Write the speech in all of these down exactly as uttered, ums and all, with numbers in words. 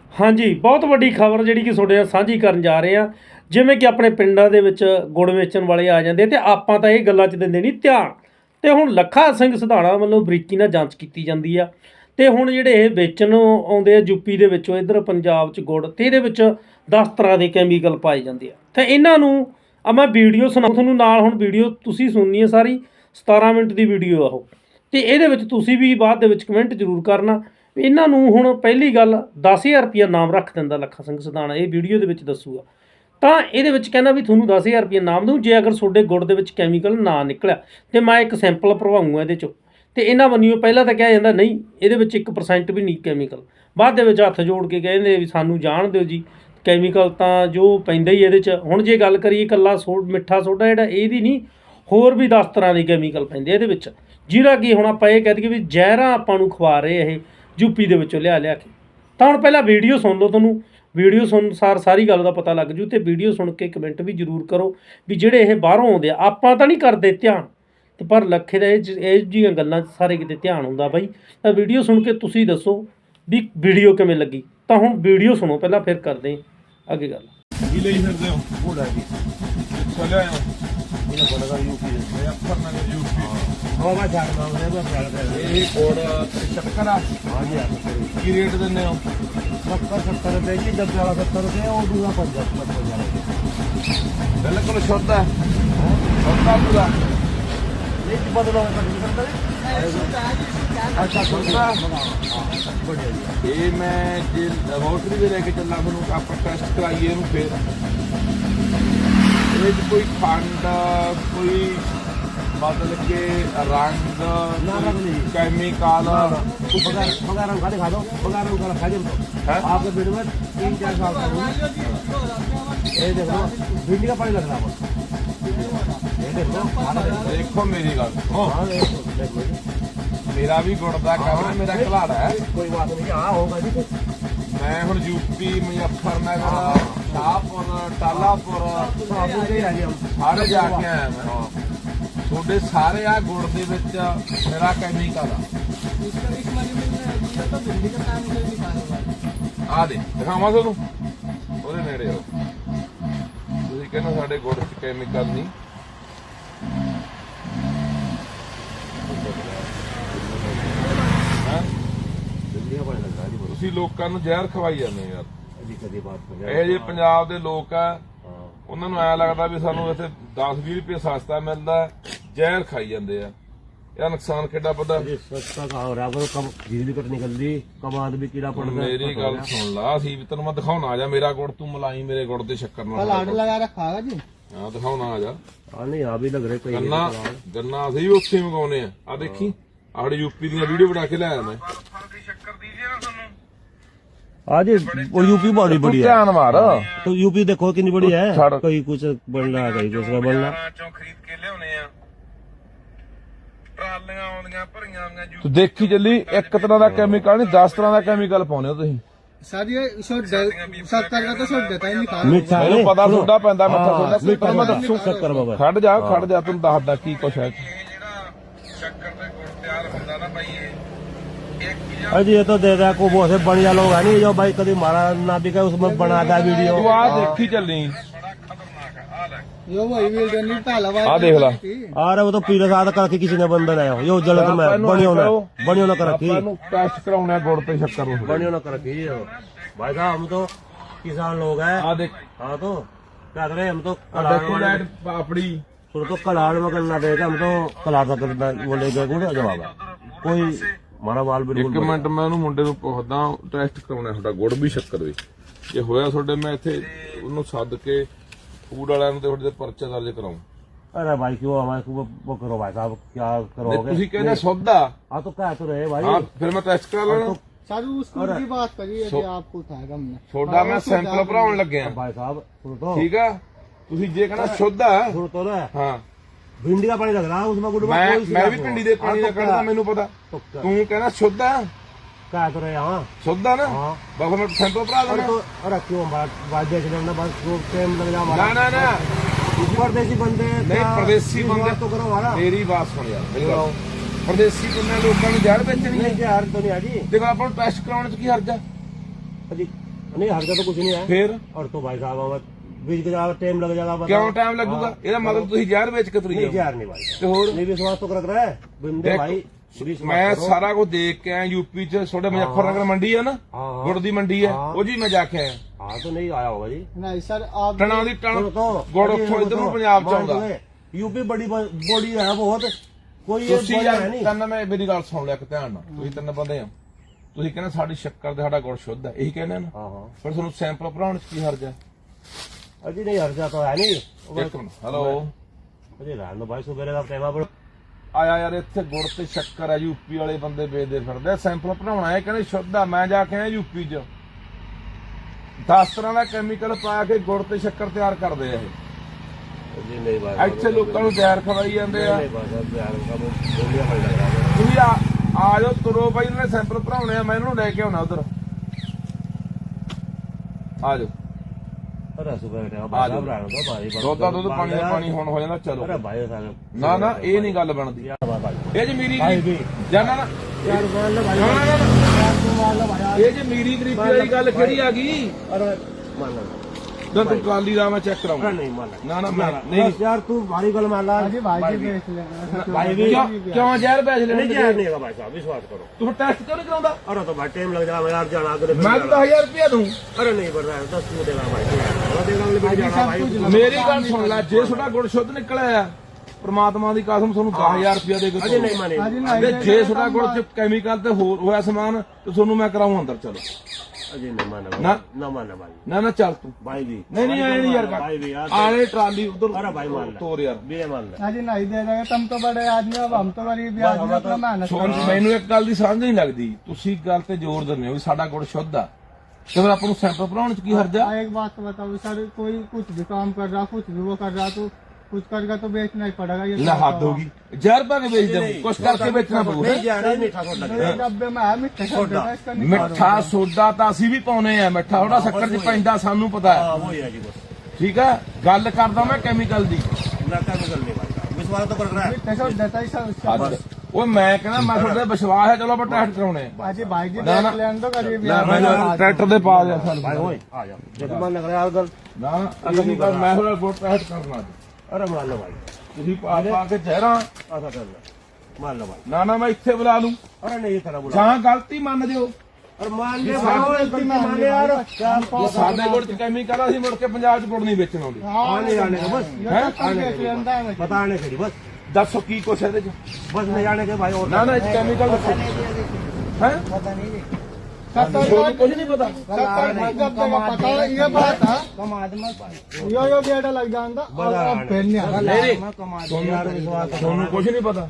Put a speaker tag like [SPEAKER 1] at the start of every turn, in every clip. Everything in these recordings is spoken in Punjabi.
[SPEAKER 1] हाँ जी, बहुत वड्डी खबर जिहड़ी कि तुहाडे नाल सांझी करन जा रहे हैं। जिवें कि अपने पिंडां दे विच गुड़ वेचण वाले आ जांदे ते आपां तां इह गल्लां 'च दिंदे नहीं ध्यान। ते हुण ਲੱਖਾ ਸਿੰਘ ਸਿਧਾਣਾ ਵੱਲੋਂ ਬਰੀਕੀ ਨਾਲ ਜਾਂਚ ਕੀਤੀ ਜਾਂਦੀ ਆ ਤੇ ਹੁਣ ਜਿਹੜੇ ਇਹ ਵੇਚਣ ਆਉਂਦੇ ਆ ਯੂਪੀ ਦੇ ਵਿੱਚੋਂ ਇੱਧਰ ਪੰਜਾਬ 'ਚ ਗੁੜ ਤੇ ਇਹਦੇ ਵਿੱਚ ਦਸ ਤਰ੍ਹਾਂ ਦੇ ਕੈਮੀਕਲ ਪਾਏ ਜਾਂਦੇ ਆ ਤੇ ਇਹਨਾਂ ਨੂੰ ਆ ਮੈਂ ਵੀਡੀਓ ਸੁਣਾਉਂ ਤੁਹਾਨੂੰ ਨਾਲ। ਹੁਣ ਵੀਡੀਓ ਤੁਸੀਂ ਸੁਣਨੀ ਹੈ ਸਾਰੀ, ਸਤਾਰਾਂ ਮਿੰਟ ਦੀ ਵੀਡੀਓ ਆ ਉਹ, ਤੇ ਇਹਦੇ ਵਿੱਚ ਤੁਸੀਂ ਵੀ ਬਾਅਦ ਦੇ ਵਿੱਚ ਕਮੈਂਟ ਜ਼ਰੂਰ ਕਰਨਾ। ਇਹਨਾਂ ਨੂੰ ਹੁਣ ਪਹਿਲੀ ਗੱਲ ਦਸ ਹਜ਼ਾਰ ਰੁਪਈਆ ਨਾਮ ਰੱਖ ਦਿੰਦਾ ਲੱਖਾ ਸਿੰਘ ਸਿਧਾਣਾ, ਇਹ ਵੀਡੀਓ ਦੇ ਵਿੱਚ ਦੱਸੂਗਾ। ਤਾਂ ਇਹਦੇ ਵਿੱਚ ਕਹਿੰਦਾ ਵੀ ਤੁਹਾਨੂੰ ਦਸ ਹਜ਼ਾਰ ਰੁਪਈਆ ਨਾਮ ਦਊਂ ਜੇ ਅਗਰ ਤੁਹਾਡੇ ਗੁੜ ਦੇ ਵਿੱਚ ਕੈਮੀਕਲ ਨਾ ਨਿਕਲਿਆ ਤੇ ਮੈਂ ਇੱਕ ਸੈਂਪਲ ਭਰਵਾਊਂਗਾ ਇਹਦੇ 'ਚੋਂ। ਤੇ ਇਹਨਾਂ ਵੱਲੋਂ ਪਹਿਲਾਂ ਤਾਂ ਕਿਹਾ ਜਾਂਦਾ ਨਹੀਂ ਇਹਦੇ ਵਿੱਚ ਇੱਕ ਪਰਸੈਂਟ ਵੀ ਨਹੀਂ ਕੈਮੀਕਲ, ਬਾਅਦ ਦੇ ਵਿੱਚ ਹੱਥ ਜੋੜ ਕੇ ਕਹਿੰਦੇ ਵੀ ਸਾਨੂੰ ਜਾਣ ਦਿਓ ਜੀ, ਕੈਮੀਕਲ ਤਾਂ ਜੋ ਪੈਂਦਾ ਹੀ ਇਹਦੇ 'ਚ। ਹੁਣ ਜੇ ਗੱਲ ਕਰੀਏ ਇਕੱਲਾ ਸੋ ਮਿੱਠਾ ਸੋਡਾ ਜਿਹੜਾ ਇਹਦੀ ਨਹੀਂ, ਹੋਰ ਵੀ ਦਸ ਤਰ੍ਹਾਂ ਦੇ ਕੈਮੀਕਲ ਪੈਂਦੇ ਇਹਦੇ ਵਿੱਚ, ਜਿਹੜਾ ਕਿ ਹੁਣ ਆਪਾਂ ਇਹ ਕਹਿ ਦਈਏ ਵੀ ਜ਼ਹਿਰਾਂ ਆਪਾਂ ਨੂੰ ਖਵਾ ਰਹੇ ਇਹ ਯੂਪੀ ਦੇ ਵਿੱਚੋਂ ਲਿਆ ਲਿਆ ਕੇ। ਤਾਂ ਹੁਣ ਪਹਿਲਾਂ ਵੀਡੀਓ ਸੁਣ ਲਓ, ਤੁਹਾਨੂੰ ਵੀਡੀਓ ਸੁਣ ਸਾਰ ਸਾਰੀ ਗੱਲ ਦਾ ਪਤਾ ਲੱਗ ਜੂ। ਤੇ ਵੀਡੀਓ ਸੁਣ ਕੇ ਕਮੈਂਟ ਵੀ ਜ਼ਰੂਰ ਕਰੋ ਵੀ ਜਿਹੜੇ ਇਹ ਬਾਹਰੋਂ ਆਉਂਦੇ ਆ, ਆਪਾਂ ਤਾਂ ਨਹੀਂ ਕਰਦੇ ਧਿਆਨ, ਤੇ ਪਰ ਲੱਖੇ ਦਾ ਇਹ ਇਹ ਜਿਹੀਆਂ ਗੱਲਾਂ 'ਚ ਸਾਰੇ ਕਿਤੇ ਧਿਆਨ ਹੁੰਦਾ ਬਾਈ। ਤਾਂ ਵੀਡੀਓ ਸੁਣ ਕੇ ਤੁਸੀਂ ਦੱਸੋ ਵੀ ਵੀਡੀਓ ਕਿਵੇਂ ਲੱਗੀ। ਤਾਂ ਹੁਣ ਵੀਡੀਓ ਸੁਣੋ ਪਹਿਲਾਂ, ਫਿਰ ਕਰਦੇ ਅੱਗੇ ਗੱਲ।
[SPEAKER 2] ਕੀ ਲਈ ਫਿਰਦੇ ਹੋ? ਉਹ ਲੈ ਜੀ ਚੱਲਿਆ ਆ ਇਹਨਾਂ ਬੜਗਾ ਯੂਪੀ ਦੇ ਅੱਖਰ ਨਗਰ ਯੂਪੀ।
[SPEAKER 3] ਉਹ ਮੈਂ ਛੱਡ ਦਵਾਂਗਾ ਇਹ ਬਸ ਗੱਲ
[SPEAKER 2] ਇਹ ਕੋਡ ਸ਼ੱਕਰ ਆ।
[SPEAKER 3] ਹਾਂ ਜੀ
[SPEAKER 2] ਕੀ ਰੇਟ ਦਿੰਦੇ ਹੋ?
[SPEAKER 3] ਸੱਤਰ ਸੱਤਰ ਰੁਪਏ ਜੀ, ਡੱਬੇ ਵਾਲਾ ਸੱਤਰ ਰੁਪਏ, ਉਹ ਦੂਆ ਪੰਜਾਹ ਪੰਜਾਹ ਰੁਪਏ।
[SPEAKER 2] ਬਿਲਕੁਲ ਸ਼ੁੱਧ ਹੈ, ਸ਼ੁੱਧ ਆ ਪੂਰਾ।
[SPEAKER 3] ਇਹ ਚ ਬਦਲੋ ਕੱਢੀ ਕਰਦਾ ਹੈ। ਅੱਛਾ
[SPEAKER 2] ਸ਼ੁੱਧ ਆ।
[SPEAKER 3] बढ़िया जी।
[SPEAKER 2] ਇਹ ਮੈਂ ਜੇ ਲੈਬੋਰਟਰੀ ਦੇ ਲੈ ਕੇ ਚੱਲਾਂ ਤੁਹਾਨੂੰ ਆਪਾਂ ਟੈਸਟ ਕਰਾਈਏ ਇਹਨੂੰ, ਫਿਰ ਇਹ 'ਚ ਕੋਈ ਖੰਡ ਕੋਈ ਮਤਲਬ ਕਿ ਰੰਗ
[SPEAKER 3] ना रंग नहीं,
[SPEAKER 2] ਕੈਮੀਕਲ
[SPEAKER 3] कुछ बगैर बगैर रंग का दिखा दो, बगैर रंग का खा जाओ।
[SPEAKER 2] है?
[SPEAKER 3] आपके पेट में तीन चार साल का हूँ। ये देखो भिंडी का पानी लग रहा है। ये देखो खाना देखो।
[SPEAKER 2] ਦੇਖੋ ਮੇਰੀ ਗੱਲ,
[SPEAKER 3] हाँ देखो देखो जी।
[SPEAKER 2] ਮੇਰਾ ਵੀ ਗੁੜ ਦਾ ਕੰਮ ਹੈ, ਮੇਰਾ ਘਲਾੜਾ ਹੈ।
[SPEAKER 3] कोई बात नहीं, हाँ होगा जी कुछ।
[SPEAKER 2] ਮੈਂ ਹੁਣ ਯੂਪੀ ਮੁਜ਼ੱਫਰਨਗਰ ਸ਼ਾਹਪੁਰ ਟਾਲਾਪੁਰ
[SPEAKER 3] आपको दे रहा जी हम।
[SPEAKER 2] ਸਾਰੇ ਜਾ ਕੇ ਆਇਆ ਮੈਂ। ਤੁਹਾਡੇ ਸਾਰੇ ਆ ਗੁੜ ਦੇ ਵਿੱਚ ਮੇਰਾ ਕੈਮੀਕਲ ਆ। ਆ ਦੇ ਦਿਖਾਵਾਂ ਤੁਹਾਨੂੰ, ਉਹਦੇ ਨੇੜੇ ਆਓ। ਤੁਸੀਂ ਕਹਿੰਦੇ ਸਾਡੇ ਗੁੜ 'ਚ ਕੈਮੀਕਲ ਨਹੀਂ। ਹੈਂ?
[SPEAKER 3] भिंडी का पानी लग रहा है जी।
[SPEAKER 2] ਤੁਸੀਂ ਲੋਕਾਂ ਨੂੰ ਜ਼ਹਿਰ ਖਵਾਈ ਜਾਂਦੇ ਯਾਰ।
[SPEAKER 3] कभी कभी बात कर
[SPEAKER 2] ਇਹ ਜੇ ਪੰਜਾਬ ਦੇ ਲੋਕ ਆ, ਉਹਨਾਂ ਨੂੰ ਐ ਲੱਗਦਾ ਵੀ ਸਾਨੂੰ ਇੱਥੇ ਦਸ ਵੀਹ ਰੁਪਏ ਸਸਤਾ ਮਿਲਦਾ, ਜ਼ਹਿਰ ਖਾਈ ਜਾਂਦੇ ਆ। ਇਹਦਾ ਨੁਕਸਾਨ ਕਿੱਡਾ ਵੱਡਾ।
[SPEAKER 3] अरे सस्ता कहाँ हो रहा है, कम बिजली कट निकल दी, कमाद भी कीड़ा पड़ गया।
[SPEAKER 2] ਮੇਰੀ ਗੱਲ ਸੁਣ ਲਾ, ਅਸੀਂ ਵੀ ਤੈਨੂੰ ਮੈਂ ਦਿਖਾਉਣਾ ਆ ਜਾ ਮੇਰਾ ਗੁੜ, ਤੂੰ ਮਲਾਈ ਮੇਰੇ ਗੁੜ ਤੇ ਸ਼ੱਕਰ ਨਾਲ
[SPEAKER 3] लगा रखा है जी।
[SPEAKER 2] ਹਾਂ ਦਿਖਾਉਣਾ ਆ ਜਾ।
[SPEAKER 3] हाँ नहीं यहाँ भी लग रहे कई।
[SPEAKER 2] ਗੰਨਾ ਗੰਨਾ ਅਸੀਂ ਵੀ ਉੱਥੇ ਮੰਗਾਉਨੇ ਆ। ਆ ਦੇਖੀ ਆੜੇ ਯੂਪੀ ਦੀਆਂ ਵੀਡੀਓ ਬਣਾ ਕੇ ਲਿਆਇਆ ਮੈਂ।
[SPEAKER 3] हाँ जी वो यूपी बड़ी बड़ी है।
[SPEAKER 2] ਧਿਆਨ ਮਾਰ
[SPEAKER 3] तो यूपी देखो कितनी बड़ी है,
[SPEAKER 2] छाड़।
[SPEAKER 3] कहीं कुछ बन रहा है कहीं कुछ का बन रहा।
[SPEAKER 2] ਚੋਂ ਖਰੀਦ ਕੇ ਲਿਆਉਨੇ ਆ, ਟਰਾਲੀਆਂ ਆਉਂਦੀਆਂ ਭਰੀਆਂ ਆਉਂਦੀਆਂ। ਤੂੰ ਦੇਖੀ ਚੱਲੀ, ਇੱਕ ਤਰ੍ਹਾਂ ਦਾ ਕੈਮੀਕਲ ਨਹੀਂ, ਦਸ ਤਰ੍ਹਾਂ ਦਾ ਕੈਮੀਕਲ ਪਾਉਨੇ ਹੋ ਤੁਸੀਂ।
[SPEAKER 4] सर ये सत्तर का तो छोड़ देता ही नहीं खा।
[SPEAKER 3] मीठा है
[SPEAKER 2] ਮੈਨੂੰ ਪਤਾ ਸੋਡਾ ਪੈਂਦਾ, ਮਿੱਠਾ ਸੋਡਾ
[SPEAKER 3] मीठा
[SPEAKER 2] ਮੈਂ ਦੱਸੂ।
[SPEAKER 3] शक्कर बाबा।
[SPEAKER 2] ਖੜ ਜਾ ਖੜ ਜਾ, ਤੈਨੂੰ ਦੱਸਦਾ ਕੀ ਕੁਛ ਹੈ।
[SPEAKER 3] अजी ये तो दे रहा को बहुत से बढ़िया लोग है नहीं, जो भाई कभी मारा ना भी का उसमें बनाता है वीडियो।
[SPEAKER 2] ਤੂੰ ਆ ਦੇਖੀ ਚੱਲੀ,
[SPEAKER 4] यो वही वीडियो नहीं पहला
[SPEAKER 2] ਆ ਦੇਖ ला।
[SPEAKER 3] अरे वो तो पीले साथ कर रखी किसी ने बंधन है, यो जलत में बढ़िया ना बढ़िया ना कर रखी,
[SPEAKER 2] ਆਪਾਂ ਨੂੰ ਟੈਸਟ ਕਰਾਉਣਾ ਗੁੜ ਤੇ ਸ਼ੱਕਰ ਨੂੰ।
[SPEAKER 3] बढ़िया ना कर रखी है। भाई साहब हम तो किसान लोग हैं।
[SPEAKER 2] ਆ ਦੇਖ,
[SPEAKER 3] हाँ तो क्या करें हम तो
[SPEAKER 2] ਆ ਦੇਖੋ ਲਾਈਟ ਆਪੜੀ।
[SPEAKER 3] सुन तो कलाड़ में करना देगा, हम तो कलाड़ का करना वो ले गए गुड़ जवाब है। कोई हमारा माल
[SPEAKER 2] ਇੱਕ
[SPEAKER 3] बिल्कुल
[SPEAKER 2] ਮਿੰਟ ਮੈਂ ਉਹਨੂੰ ਮੁੰਡੇ ਨੂੰ ਪੁੱਛਦਾ, ਟੈਸਟ ਕਰਾਉਣਾ ਤੁਹਾਡਾ ਗੁੜ ਵੀ ਸ਼ੱਕਰ ਵੀ। ਜੇ ਹੋਇਆ ਤੁਹਾਡੇ, ਮੈਂ ਇੱਥੇ ਉਹਨੂੰ ਸੱਦ ਕੇ ਫੂਡ वाਲਿਆਂ ਨੂੰ ਤੇ ਤੁਹਾਡੇ ਤੇ ਪਰਚਾ ਦਰਜ ਕਰਾਉਂ।
[SPEAKER 3] अरे भाई क्यों हमारे को वो करो भाई साहब, क्या करोगे?
[SPEAKER 2] ਤੁਸੀਂ ਕਹਿੰਦੇ ਸੌਦਾ,
[SPEAKER 3] हाँ तो क्या तो रहे भाई।
[SPEAKER 2] ਹਾਂ ਫਿਰ ਮੈਂ ਟੈਸਟ ਕਰਾ ਲੈਣਾ।
[SPEAKER 4] सर उसकी की बात करिए कि आपको उठाएगा हमने।
[SPEAKER 2] ਤੁਹਾਡਾ ਮੈਂ ਸੈਂਪਲ ਭਰਾਉਣ ਲੱਗਿਆ,
[SPEAKER 3] भाई साहब सुन तो
[SPEAKER 2] ਠੀਕ ਆ। ਤੁਸੀਂ ਜੇ ਕਹਿੰਦਾ ਸ਼ੁੱਧ ਆ,
[SPEAKER 3] सुन तो ना,
[SPEAKER 2] ਹਾਂ
[SPEAKER 3] भिंडी का पानी लग रहा है उसमें गुड़ में
[SPEAKER 2] ਮੈਂ
[SPEAKER 3] कोई सी
[SPEAKER 2] ਮੈਂ
[SPEAKER 3] बात
[SPEAKER 2] ਵੀ
[SPEAKER 3] नहीं।
[SPEAKER 2] ਪਿੰਡੀ ਦੇ ਪਾਣੀ ਦਾ
[SPEAKER 3] हाँ, तो
[SPEAKER 2] ਕੱਢਦਾ,
[SPEAKER 3] क्या-
[SPEAKER 2] ਮੈਨੂੰ ਪਤਾ।
[SPEAKER 3] तो क्या-
[SPEAKER 2] ਤੂੰ ਕਹਿੰਦਾ ਸ਼ੁੱਧ ਆ,
[SPEAKER 3] क्या तो रहे हाँ।
[SPEAKER 2] ਸ਼ੁੱਧ ਆ ਨਾ,
[SPEAKER 3] हाँ।
[SPEAKER 2] ਬਸ ਮੈਂ ਸੈਂਪਲ ਭਰਾ
[SPEAKER 3] अरे
[SPEAKER 2] ਦੇਣਾ।
[SPEAKER 3] तो अरे क्यों बात देख लेना, बस वो टाइम लग जा
[SPEAKER 2] ਨਾ
[SPEAKER 3] हमारा।
[SPEAKER 2] ਨਾ ना
[SPEAKER 3] परदेसी बंदे
[SPEAKER 2] नहीं,
[SPEAKER 3] क्या
[SPEAKER 2] परदेसी
[SPEAKER 3] विश्वास
[SPEAKER 2] बंदे-
[SPEAKER 3] तो करो हमारा।
[SPEAKER 2] ਮੇਰੀ ਬਾਤ ਸੁਣ ਯਾਰ, ਮੇਰੀ ਗੱਲ। ਪਰਦੇਸੀ ਕਿੰਨੇ ਲੋਕਾਂ ਨੂੰ ਜ਼ਹਿਰ ਵੇਚਣੀ ਹੈ।
[SPEAKER 3] नहीं यार तो नहीं है जी।
[SPEAKER 2] ਦੇਖੋ ਆਪਾਂ ਨੂੰ ਟੈਸਟ ਕਰਾਉਣ ਚ ਕੀ ਹਰਜ ਆ।
[SPEAKER 3] अजी नहीं हर तो कुछ नहीं है
[SPEAKER 2] ਫਿਰ
[SPEAKER 3] और तो भाई साहब अब बीच के ज्यादा टाइम लग जाएगा
[SPEAKER 2] ਕਿਉਂ ਟਾਈਮ ਲੱਗੂਗਾ ਇਹਦਾ ਮਤਲਬ ਤੁਸੀਂ ਜ਼ਹਿਰ ਵੇਚ ਕੇ ਤੁਰੀ
[SPEAKER 3] नहीं
[SPEAKER 2] ਜਾਓ
[SPEAKER 3] यार नहीं भाई
[SPEAKER 2] ਤੇ ਹੋਰ
[SPEAKER 3] नहीं विश्वास तो कर रहा है बिंदे
[SPEAKER 2] देखो,
[SPEAKER 3] भाई विश्वास
[SPEAKER 2] ਮੈਂ
[SPEAKER 3] करो।
[SPEAKER 2] ਸਾਰਾ ਕੁਝ ਦੇਖ ਕੇ ਆਇਆ ਯੂਪੀ ਚ ਤੁਹਾਡੇ ਮੁਜ਼ੱਫਰਨਗਰ ਮੰਡੀ ਹੈ ਨਾ
[SPEAKER 3] हाँ हाँ
[SPEAKER 2] ਗੁੜ ਦੀ ਮੰਡੀ ਹੈ
[SPEAKER 3] ਹਾਂ।
[SPEAKER 2] ਉਹ ਜੀ ਮੈਂ ਜਾ ਕੇ ਆਇਆ
[SPEAKER 3] हाँ तो नहीं आया होगा जी
[SPEAKER 4] नहीं सर आप
[SPEAKER 2] ਟਣਾ ਦੀ ਟਣ
[SPEAKER 3] सुनो तो
[SPEAKER 2] ਗੁੜ ਉੱਥੋਂ ਇਧਰ ਨੂੰ ਪੰਜਾਬ ਚ ਆਉਂਦਾ
[SPEAKER 3] यूपी बड़ी बड़ी है बहुत कोई ये
[SPEAKER 2] ਤੁਸੀਂ
[SPEAKER 3] बड़ा
[SPEAKER 2] ਯਾਰ
[SPEAKER 3] है नहीं
[SPEAKER 2] ਕੰਨ ਮੈਂ ਮੇਰੀ ਗੱਲ ਸੁਣ ਲਿਆ ਕਿ ਧਿਆਨ ਨਾਲ ਤੁਸੀਂ ਤਿੰਨ ਬੰਦੇ ਆ ਤੁਸੀਂ ਕਹਿੰਦੇ ਸਾਡੀ ਸ਼ੱਕਰ ਤੇ ਸਾਡਾ ਗੁੜ ਸ਼ੁੱਧ ਹੈ ਇਹੀ ਕਹਿੰਦੇ ਨਾ
[SPEAKER 3] हाँ हाँ
[SPEAKER 2] ਫਿਰ ਤੁਹਾਨੂੰ ਸੈਂਪਲ ਭਰਾਉਣ ਚ ਕੀ ਹਰਜ ਹੈ
[SPEAKER 3] अजी नहीं हर जाता है नहीं
[SPEAKER 2] ਇੱਕ ਮਿੰਟ ਹੈਲੋ
[SPEAKER 3] अजी रहने दो भाई सुबह का टाइम पर
[SPEAKER 2] ਆਇਆ ਯਾਰ ਇੱਥੇ ਗੁੜ ਤੇ ਸ਼ੱਕਰ ਹੈ ਯੂਪੀ ਵਾਲੇ ਬੰਦੇ ਵੇਚਦੇ ਫਿਰਦੇ ਸੈਂਪਲ ਭਰਾਉਣਾ ਹੈ ਕਹਿੰਦੇ ਸ਼ੁੱਧ ਆ ਮੈਂ ਜਾ ਕੇ ਆਇਆ ਯੂਪੀ ਚ ਦਸ ਤਰ੍ਹਾਂ ਦਾ ਕੈਮੀਕਲ ਪਾ ਕੇ ਗੁੜ ਤੇ ਸ਼ੱਕਰ ਤਿਆਰ ਕਰਦੇ ਆ ਇਹ
[SPEAKER 3] जी नहीं भाई
[SPEAKER 2] ਇੱਥੇ ਲੋਕਾਂ ਨੂੰ ਜ਼ਹਿਰ ਖਵਾਈ ਜਾਂਦੇ ਆ
[SPEAKER 3] नहीं भाई साहब यार का बोलिया पड़ लग रहा है
[SPEAKER 2] ਤੁਸੀਂ ਆ ਆ ਜਾਓ ਤੁਰੋ ਬਾਈ ਇਹਨਾਂ ਨੇ ਸੈਂਪਲ ਭਰਾਉਣੇ ਆ ਮੈਂ ਇਹਨਾਂ ਨੂੰ ਲੈ ਕੇ ਆਉਣਾ ਉਧਰ ਆ ਜਾਓ
[SPEAKER 3] अरे सुबह का
[SPEAKER 2] आ
[SPEAKER 3] भाई
[SPEAKER 2] जाओ।
[SPEAKER 3] साहब रहने दो भाई
[SPEAKER 2] ਦੁੱਧ ਦਾ ਦੁੱਧ ਪਾਣੀ ਦਾ ਪਾਣੀ ਹੁਣ ਹੋ ਜਾਂਦਾ ਚਲੋ
[SPEAKER 3] अरे भाई साहब
[SPEAKER 2] ਨਾ ਨਾ ਇਹ ਨਹੀਂ ਗੱਲ ਬਣਦੀ
[SPEAKER 3] यार भाई
[SPEAKER 2] ਇਹ ਜੇ ਮੀਰੀ
[SPEAKER 3] भाई भी
[SPEAKER 2] ਜਾਨਾ ਨਾ
[SPEAKER 3] यार मान लो भाई
[SPEAKER 2] ਨਾ ਨਾ ਨਾ
[SPEAKER 3] यार तू मान लो भाई
[SPEAKER 2] ਇਹ ਜੇ ਮੀਰੀ ਗਰੀਬੀ ਵਾਲੀ ਗੱਲ ਕਿਹੜੀ ਆ ਗਈ
[SPEAKER 3] अरे मान लो
[SPEAKER 2] ਜਦੋਂ ਤੂੰ ਕਾਲੀ ਦਾ ਮੈਂ ਚੈੱਕ
[SPEAKER 3] अरे
[SPEAKER 2] ਕਰਾਉਂਗਾ
[SPEAKER 3] नहीं मान लो
[SPEAKER 2] ਨਾ ਨਾ ਮੈਂ
[SPEAKER 3] नहीं
[SPEAKER 2] ਨਹੀਂ
[SPEAKER 3] यार तू भारी गल मान ला
[SPEAKER 4] अजी भाई जी बेच लेना
[SPEAKER 3] भाई भी
[SPEAKER 2] ਕਿਉਂ ਕਿਉਂ ਜ਼ਹਿਰ ਵੇਚ ਲੈਣੇ
[SPEAKER 3] नहीं यार नहीं होगा भाई साहब विश्वास करो
[SPEAKER 2] ਤੂੰ ਟੈਸਟ ਕਿਉਂ ਨਹੀਂ ਕਰਾਉਂਦਾ
[SPEAKER 3] अरे तो भाई टाइम लग जाएगा यार जाना अगर
[SPEAKER 2] ਮੈਂ ਤਾਂ ਦਸ हज़ार ਰੁਪਇਆ ਦੂੰ
[SPEAKER 3] अरे नहीं बढ़ रहा है दस क्यों देगा भाई अरे देगा अगले भी जाना भाई
[SPEAKER 2] ਮੇਰੀ ਗੱਲ ਸੁਣ ਲੈ ਜੇ ਤੁਹਾਡਾ ਗੁੜ ਸ਼ੁੱਧ ਨਿਕਲਿਆ ਆ ਪ੍ਰਮਾਤਮਾ ਦੀ ਕਸਮ ਤੁਹਾਨੂੰ ਦਸ ਹਜ਼ਾਰ ਰੁਪਇਆ ਦੇ ਕੇ
[SPEAKER 3] अजय नहीं माने
[SPEAKER 4] अजी
[SPEAKER 2] ਤੇ
[SPEAKER 4] नहीं
[SPEAKER 2] ਜੇ ਤੁਹਾਡਾ ਗੁੜ ਚ ਕੈਮੀਕਲ ਤੇ ਹੋਰ ਹੋਇਆ ਸਮਾਨ ਤੇ ਤੁਹਾਨੂੰ ਮੈਂ ਕਰਾਉਂ ਅੰਦਰ ਚਲੋ
[SPEAKER 3] अजय नहीं माने
[SPEAKER 2] ना।
[SPEAKER 3] ना माने भाई
[SPEAKER 2] ਨਾ ਨਾ ਚੱਲ ਤੂੰ
[SPEAKER 3] भाई भी
[SPEAKER 2] ਨਹੀਂ ਨਹੀਂ ਐ ਨਹੀਂ ਯਾਰ
[SPEAKER 3] भाई भी यार
[SPEAKER 2] ਆਲੇ ਟਰਾਲੀ ਉਧਰ
[SPEAKER 3] अरे भाई मान लो
[SPEAKER 2] ਤੋਰ ਯਾਰ
[SPEAKER 3] भी मान लो
[SPEAKER 4] अजी नहीं दे रहे तुम तो बड़े आदमी हो अब हम तो गरीब आदमी अपना मेहनत
[SPEAKER 2] ਸੁਣ ਮੈਨੂੰ ਇੱਕ ਗੱਲ ਦੀ ਸਮਝ ਨਹੀਂ ਲੱਗਦੀ ਤੁਸੀਂ ਗੱਲ ਤੇ ਜ਼ੋਰ ਦਿੰਦੇ ਹੋ ਵੀ ਸਾਡਾ ਗੁੜ ਸ਼ੁੱਧ ਆ ਤੇ ਫਿਰ ਆਪਾਂ ਨੂੰ ਸੈਂਪਲ ਭਰਾਉਣ ਚ ਕੀ ਹਰਜਾ
[SPEAKER 4] हाँ, एक बात तो बताओ सर कोई कुछ भी काम कर रहा कुछ भी वो कर रहा तो कुछ करके तो बेचना ही पड़ेगा ये
[SPEAKER 2] ਲੈ ਹੱਦ ਹੋ ਗਈ ਜ਼ਹਿਰ ਪਾ ਕੇ ਵੇਚ ਦੇ ਕੁਛ ਕਰਕੇ ਵੇਚਣਾ ਪਊ
[SPEAKER 3] नहीं जा रहा है मीठा सोडा लग
[SPEAKER 4] मेरे डब्बे में है मिठा सोडा इसका नहीं
[SPEAKER 2] ਮਿੱਠਾ ਸੋਡਾ ਤਾਂ ਅਸੀਂ ਵੀ ਪਾਉਨੇ ਆ ਮਿੱਠਾ ਥੋੜਾ ਸ਼ੱਕਰ ਚ ਪੈਂਦਾ ਸਾਨੂੰ ਪਤਾ ਹੈ
[SPEAKER 3] हाँ वही है जी बस
[SPEAKER 2] ਠੀਕ ਹੈ ਗੱਲ ਕਰਦਾ ਮੈਂ ਕੈਮੀਕਲ ਦੀ
[SPEAKER 3] ना कर निकल नहीं भाई विश्वास तो कर रहा है
[SPEAKER 4] मिठा सोडा देता ही सर
[SPEAKER 2] ਅੱਜ ਉਹ ਮੈਂ ਕਹਿੰਦਾ ਮੈਂ ਤੁਹਾਡੇ ਵਿਸ਼ਵਾਸ ਹੈ ਚਲੋ ਆਪਾਂ ਟੈਸਟ ਕਰਾਉਣੇ ਆ
[SPEAKER 4] अजी भाई जी
[SPEAKER 2] ना,
[SPEAKER 4] देख
[SPEAKER 2] ना।
[SPEAKER 4] लेने दो गरीब
[SPEAKER 2] ਲੈ
[SPEAKER 4] यार
[SPEAKER 2] ਮੈਨੂੰ ਟਰੈਕਟਰ ਦੇ ਪਾ ਦਿਆ ਸਾਨੂੰ
[SPEAKER 3] भाई वही आ जाओ देखो मान लग रहा है गल
[SPEAKER 2] ਨਾ ਅਗਰ ਨਹੀਂ ਕਰ ਮੈਂ ਥੋੜਾ ਗੁੜ ਟੈਸਟ ਕਰਨਾ ਅੱਜ।
[SPEAKER 3] अरे मान लो भाई
[SPEAKER 2] ਤੁਸੀਂ ਪਾ ਪਾ ਕੇ ਜ਼ਹਿਰਾਂ
[SPEAKER 3] ऐसा कर लो मान लो भाई
[SPEAKER 2] ਨਾ ਨਾ ਮੈਂ ਇੱਥੇ ਬੁਲਾ ਲੂੰ
[SPEAKER 3] अरे नहीं ये तरह बोला
[SPEAKER 2] ਜਾਂ ਗਲਤੀ ਮੰਨ ਜਿਓ
[SPEAKER 3] अरे मान ले
[SPEAKER 2] ये
[SPEAKER 3] भाई
[SPEAKER 2] साथ-
[SPEAKER 3] गलती मान ले यार क्या
[SPEAKER 2] ਇਹ ਸਾਡੇ ਗੁੜ ਚ ਕੈਮੀਕਲ ਆ, ਅਸੀਂ ਮੁੜ ਕੇ ਪੰਜਾਬ ਚ ਗੁੜ ਨਹੀਂ ਵੇਚਣ ਆਉਂਦੇ
[SPEAKER 3] आने आने का बस
[SPEAKER 4] ये तो कम देख लेंदा है
[SPEAKER 3] बताने के लिए बस
[SPEAKER 2] ਦੱਸੋ ਕੀ ਕੁਛ ਇਹਦੇ ਚ
[SPEAKER 3] बस नहीं जाने के भाई और
[SPEAKER 2] ਨਾ ਨਾ ਇਹ ਕੈਮੀਕਲ ਦੱਸੋ ਹੈ
[SPEAKER 4] सत्तर
[SPEAKER 2] ਤੁਹਾਨੂੰ ਕੁਝ ਨਹੀਂ ਪਤਾ
[SPEAKER 4] सत्तर का जब तक पता है ये बात है यो यो बेटा लग जाता और अब फिर नहीं आ
[SPEAKER 2] ਨਹੀਂ ਨਹੀਂ ਤੁਹਾਨੂੰ ਤੁਹਾਨੂੰ ਕੁਝ ਨਹੀਂ ਪਤਾ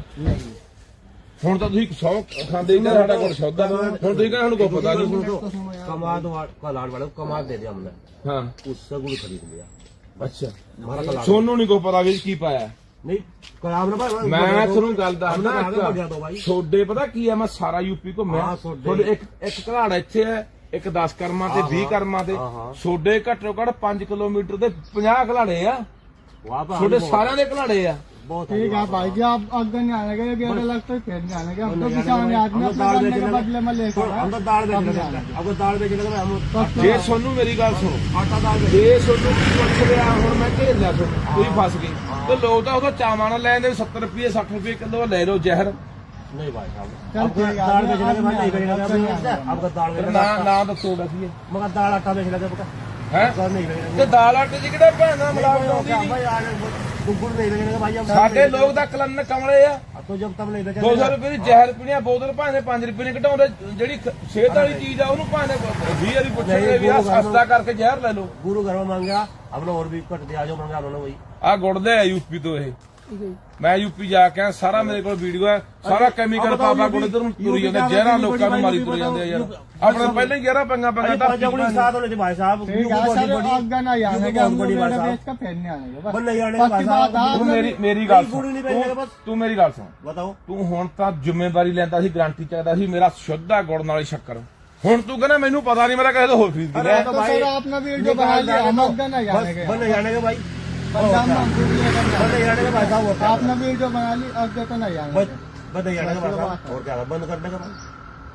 [SPEAKER 2] ਹੁਣ ਤਾਂ ਤੁਸੀਂ ਸੌ ਖਾਂਦੇ ਹੀ ਨਾ ਸਾਡਾ ਗੁੜ ਸ਼ੁੱਧ ਆ ਹੁਣ ਤੁਸੀਂ ਕਹਿੰਦੇ ਸਾਨੂੰ ਕੋਈ ਪਤਾ ਨਹੀਂ
[SPEAKER 3] कमाद कलाड़ वाले को कमाद दे दिया हमने
[SPEAKER 2] ਹਾਂ
[SPEAKER 3] उससे गुड़ खरीद लिया
[SPEAKER 2] ਅੱਛਾ
[SPEAKER 3] हमारा कलाड़
[SPEAKER 2] ਸੋਨੂੰ ਨਹੀਂ ਕੋਈ ਪਤਾ ਵੀ ਕੀ ਪਾਇਆ
[SPEAKER 3] नहीं कलाड़ ना भाई
[SPEAKER 2] ਮੈਂ ਤੁਹਾਨੂੰ ਗੱਲ ਦੱਸਦਾ
[SPEAKER 3] आगे बढ़ जाता भाई
[SPEAKER 2] ਛੋਡੇ ਪਤਾ ਕੀ ਆ ਮੈਂ ਸਾਰਾ ਯੂਪੀ ਘੁੰਮਿਆ
[SPEAKER 3] ਹਾਂ, ਸੋਡੇ।
[SPEAKER 2] ਤੁਹਾਡੇ ਇੱਕ ਇੱਕ ਘਲਾੜ ਇੱਥੇ ਹੈ ਇੱਕ ਦਸ ਕਰਮਾਂ ਤੇ ਵੀਹ ਕਰਮਾਂ ਤੇ
[SPEAKER 3] ਹਾਂ, ਹਾਂ।
[SPEAKER 2] ਛੋਡੇ ਘੱਟੋ ਘੱਟ ਪੰਜ ਕਿਲੋਮੀਟਰ ਤੇ ਪੰਜਾਹ ਘਲਾੜੇ ਆ
[SPEAKER 3] वहाँ पर
[SPEAKER 2] ਛੋਡੇ ਸਾਰਿਆਂ ਦੇ ਘਲਾੜੇ ਆ
[SPEAKER 3] बहुत
[SPEAKER 4] ठीक है भाई जी आप अगर नहीं आने के बेटा लगता है फिर नहीं आने के हम तो किसान आदमी अपने करने के बदले में लेकर
[SPEAKER 3] हम तो दाल बेच रहे अब दाल बेच रहे हम
[SPEAKER 2] ਜੇ ਸੋਨੂੰ ਮੇਰੀ ਗੱਲ ਸੁਣੋ
[SPEAKER 3] आटा दाल बेच
[SPEAKER 2] ਜੇ ਸੋਨੂੰ ਪੁੱਛ ਲਿਆ ਹੁਣ ਮੈਂ ਘੇਰ ਲਿਆ ਤੁਹਾਨੂੰ ਤੁਸੀਂ ਫਸ ਗਏ ਤੇ ਲੋਕ ਤਾਂ ਉਹਦਾ ਚਾਵਾਂ ਨਾਲ ਲੈਂਦੇ ਸੱਤਰ ਰੁਪਏ ਸੱਠ ਰੁਪਏ ਕਿਲੋ ਲੈ ਲਓ ਜ਼ਹਿਰ
[SPEAKER 3] नहीं भाई साहब
[SPEAKER 4] चल
[SPEAKER 3] आपको
[SPEAKER 4] ठीक है,
[SPEAKER 3] दाल
[SPEAKER 4] अब
[SPEAKER 3] बेचने के बाद नहीं
[SPEAKER 4] अब
[SPEAKER 3] बेचेगा आपका दाल
[SPEAKER 2] ਨਾ
[SPEAKER 3] बेचेगा
[SPEAKER 2] ਨਾ ਦੱਸੋ ਦੱਸੀਏ
[SPEAKER 3] मगर दाल आटा बेच लगे पका
[SPEAKER 2] ਹੈ
[SPEAKER 3] दाल नहीं बेचेगा
[SPEAKER 2] ਤੇ ਦਾਲ ਆਟੇ ਚ ਕਿਹੜਾ ਭੈਣਾ ਮਿਲਾਵਟ ਆਉਂਦੀ ਨਹੀਂ
[SPEAKER 3] भाई आने गुड़ नहीं बेचेगा भाई हम
[SPEAKER 2] ਸਾਡੇ ਲੋਕ ਤਾਂ ਕਲਨ ਕਮਲੇ ਆ
[SPEAKER 3] तो जब तक नहीं
[SPEAKER 2] ਦੋ
[SPEAKER 3] बेचेगा
[SPEAKER 2] ਸੌ ਰੁਪਏ ਦੀ ਜ਼ਹਿਰ ਪੀਣੀਆਂ ਬੋਤਲ ਭਾਵੇਂ ਪੰਜ ਰੁਪਏ ਨੇ ਘਟਾਉਂਦੇ ਜਿਹੜੀ ਖ- ਸਿਹਤ ਵਾਲੀ ਚੀਜ਼ ਆ ਉਹਨੂੰ ਭਾਵੇਂ ਵੀਹ ਵਾਰੀ ਪੁੱਛਣਗੇ ਵੀ ਆ ਸਸਤਾ ਕਰਕੇ ਜ਼ਹਿਰ ਲੈ ਲਓ
[SPEAKER 3] गुरु घर में मांगा हमने और भी कट दिया जो मांगा उन्होंने वही
[SPEAKER 2] ਆ ਗੁੜਦੇ ਆ ਯੂਪੀ ਤੋਂ ਇਹ ਮੈਂ ਯੂਪੀ ਜਾ ਕੇ ਆਇਆ, ਸਾਰਾ ਮੇਰੇ ਕੋਲ ਵੀਡੀਓ ਹੈ ਸਾਰਾ ਕੈਮੀਕਲ ਪਾਪਾ ਗੁੜ ਇਧਰ ਨੂੰ ਤੁਰੀ ਜਾਂਦੇ ਜ਼ਹਿਰਾਂ ਲੋਕਾਂ ਨੂੰ ਮਾਰੀ ਤੁਰੀ ਜਾਂਦੇ ਆ ਯਾਰ ਆਪਣੇ ਪਹਿਲਾਂ ਹੀ ਜ਼ਹਿਰਾਂ ਪੰਗਾ ਪੰਗਾ ਤਾਂ
[SPEAKER 3] पंजाबी साथ होने थे भाई साहब
[SPEAKER 4] ठीक है सर अगर नहीं आने के हम
[SPEAKER 3] बड़ी
[SPEAKER 4] लोग
[SPEAKER 3] बात
[SPEAKER 4] बेटा
[SPEAKER 3] साहब।
[SPEAKER 4] बेच के फिर नहीं आने के
[SPEAKER 3] बस
[SPEAKER 4] बस
[SPEAKER 3] नहीं आने के
[SPEAKER 4] पक्की
[SPEAKER 3] भाई
[SPEAKER 4] बात
[SPEAKER 3] साहब
[SPEAKER 2] ਤੂੰ
[SPEAKER 4] है
[SPEAKER 2] ਮੇਰੀ ਮੇਰੀ ਗੱਲ
[SPEAKER 3] ਗੁੜ
[SPEAKER 2] ਸੁਣ
[SPEAKER 3] ਨਹੀਂ ਵੇਚੇਗਾ ਬਸ।
[SPEAKER 2] ਤੂੰ ਮੇਰੀ ਗੱਲ ਸੁਣ
[SPEAKER 3] बताओ
[SPEAKER 2] ਤੂੰ ਹੁਣ ਤਾਂ ਜ਼ਿੰਮੇਵਾਰੀ ਲੈਂਦਾ ਸੀ ਗਾਰੰਟੀ ਚਾਹੀਦਾ ਸੀ ਮੇਰਾ ਸ਼ੁੱਧ ਆ ਗੁੜ ਨਾਲ ਸ਼ੱਕਰ ਹੁਣ ਤੂੰ ਕਹਿੰਦਾ ਮੈਨੂੰ ਪਤਾ ਨਹੀਂ ਮੇਰਾ ਕਿਸੇ ਤੋਂ ਹੋਰ ਖਰੀਦ
[SPEAKER 3] अरे
[SPEAKER 2] ਲਿਆ
[SPEAKER 3] तो
[SPEAKER 4] तो
[SPEAKER 3] भाई
[SPEAKER 4] सर आपने वीडियो बना लिया हम अगर नहीं आने के
[SPEAKER 3] बस नहीं आने के भाई
[SPEAKER 4] पंजाब में हम वीडियो लेकर
[SPEAKER 3] बस
[SPEAKER 4] जाएंगे।
[SPEAKER 3] नहीं आने के भाई साहब और
[SPEAKER 4] आपने वीडियो बना ली अगर तो नहीं आने
[SPEAKER 3] बस बस नहीं आने के भाई साहब और क्या बंद करने का भाई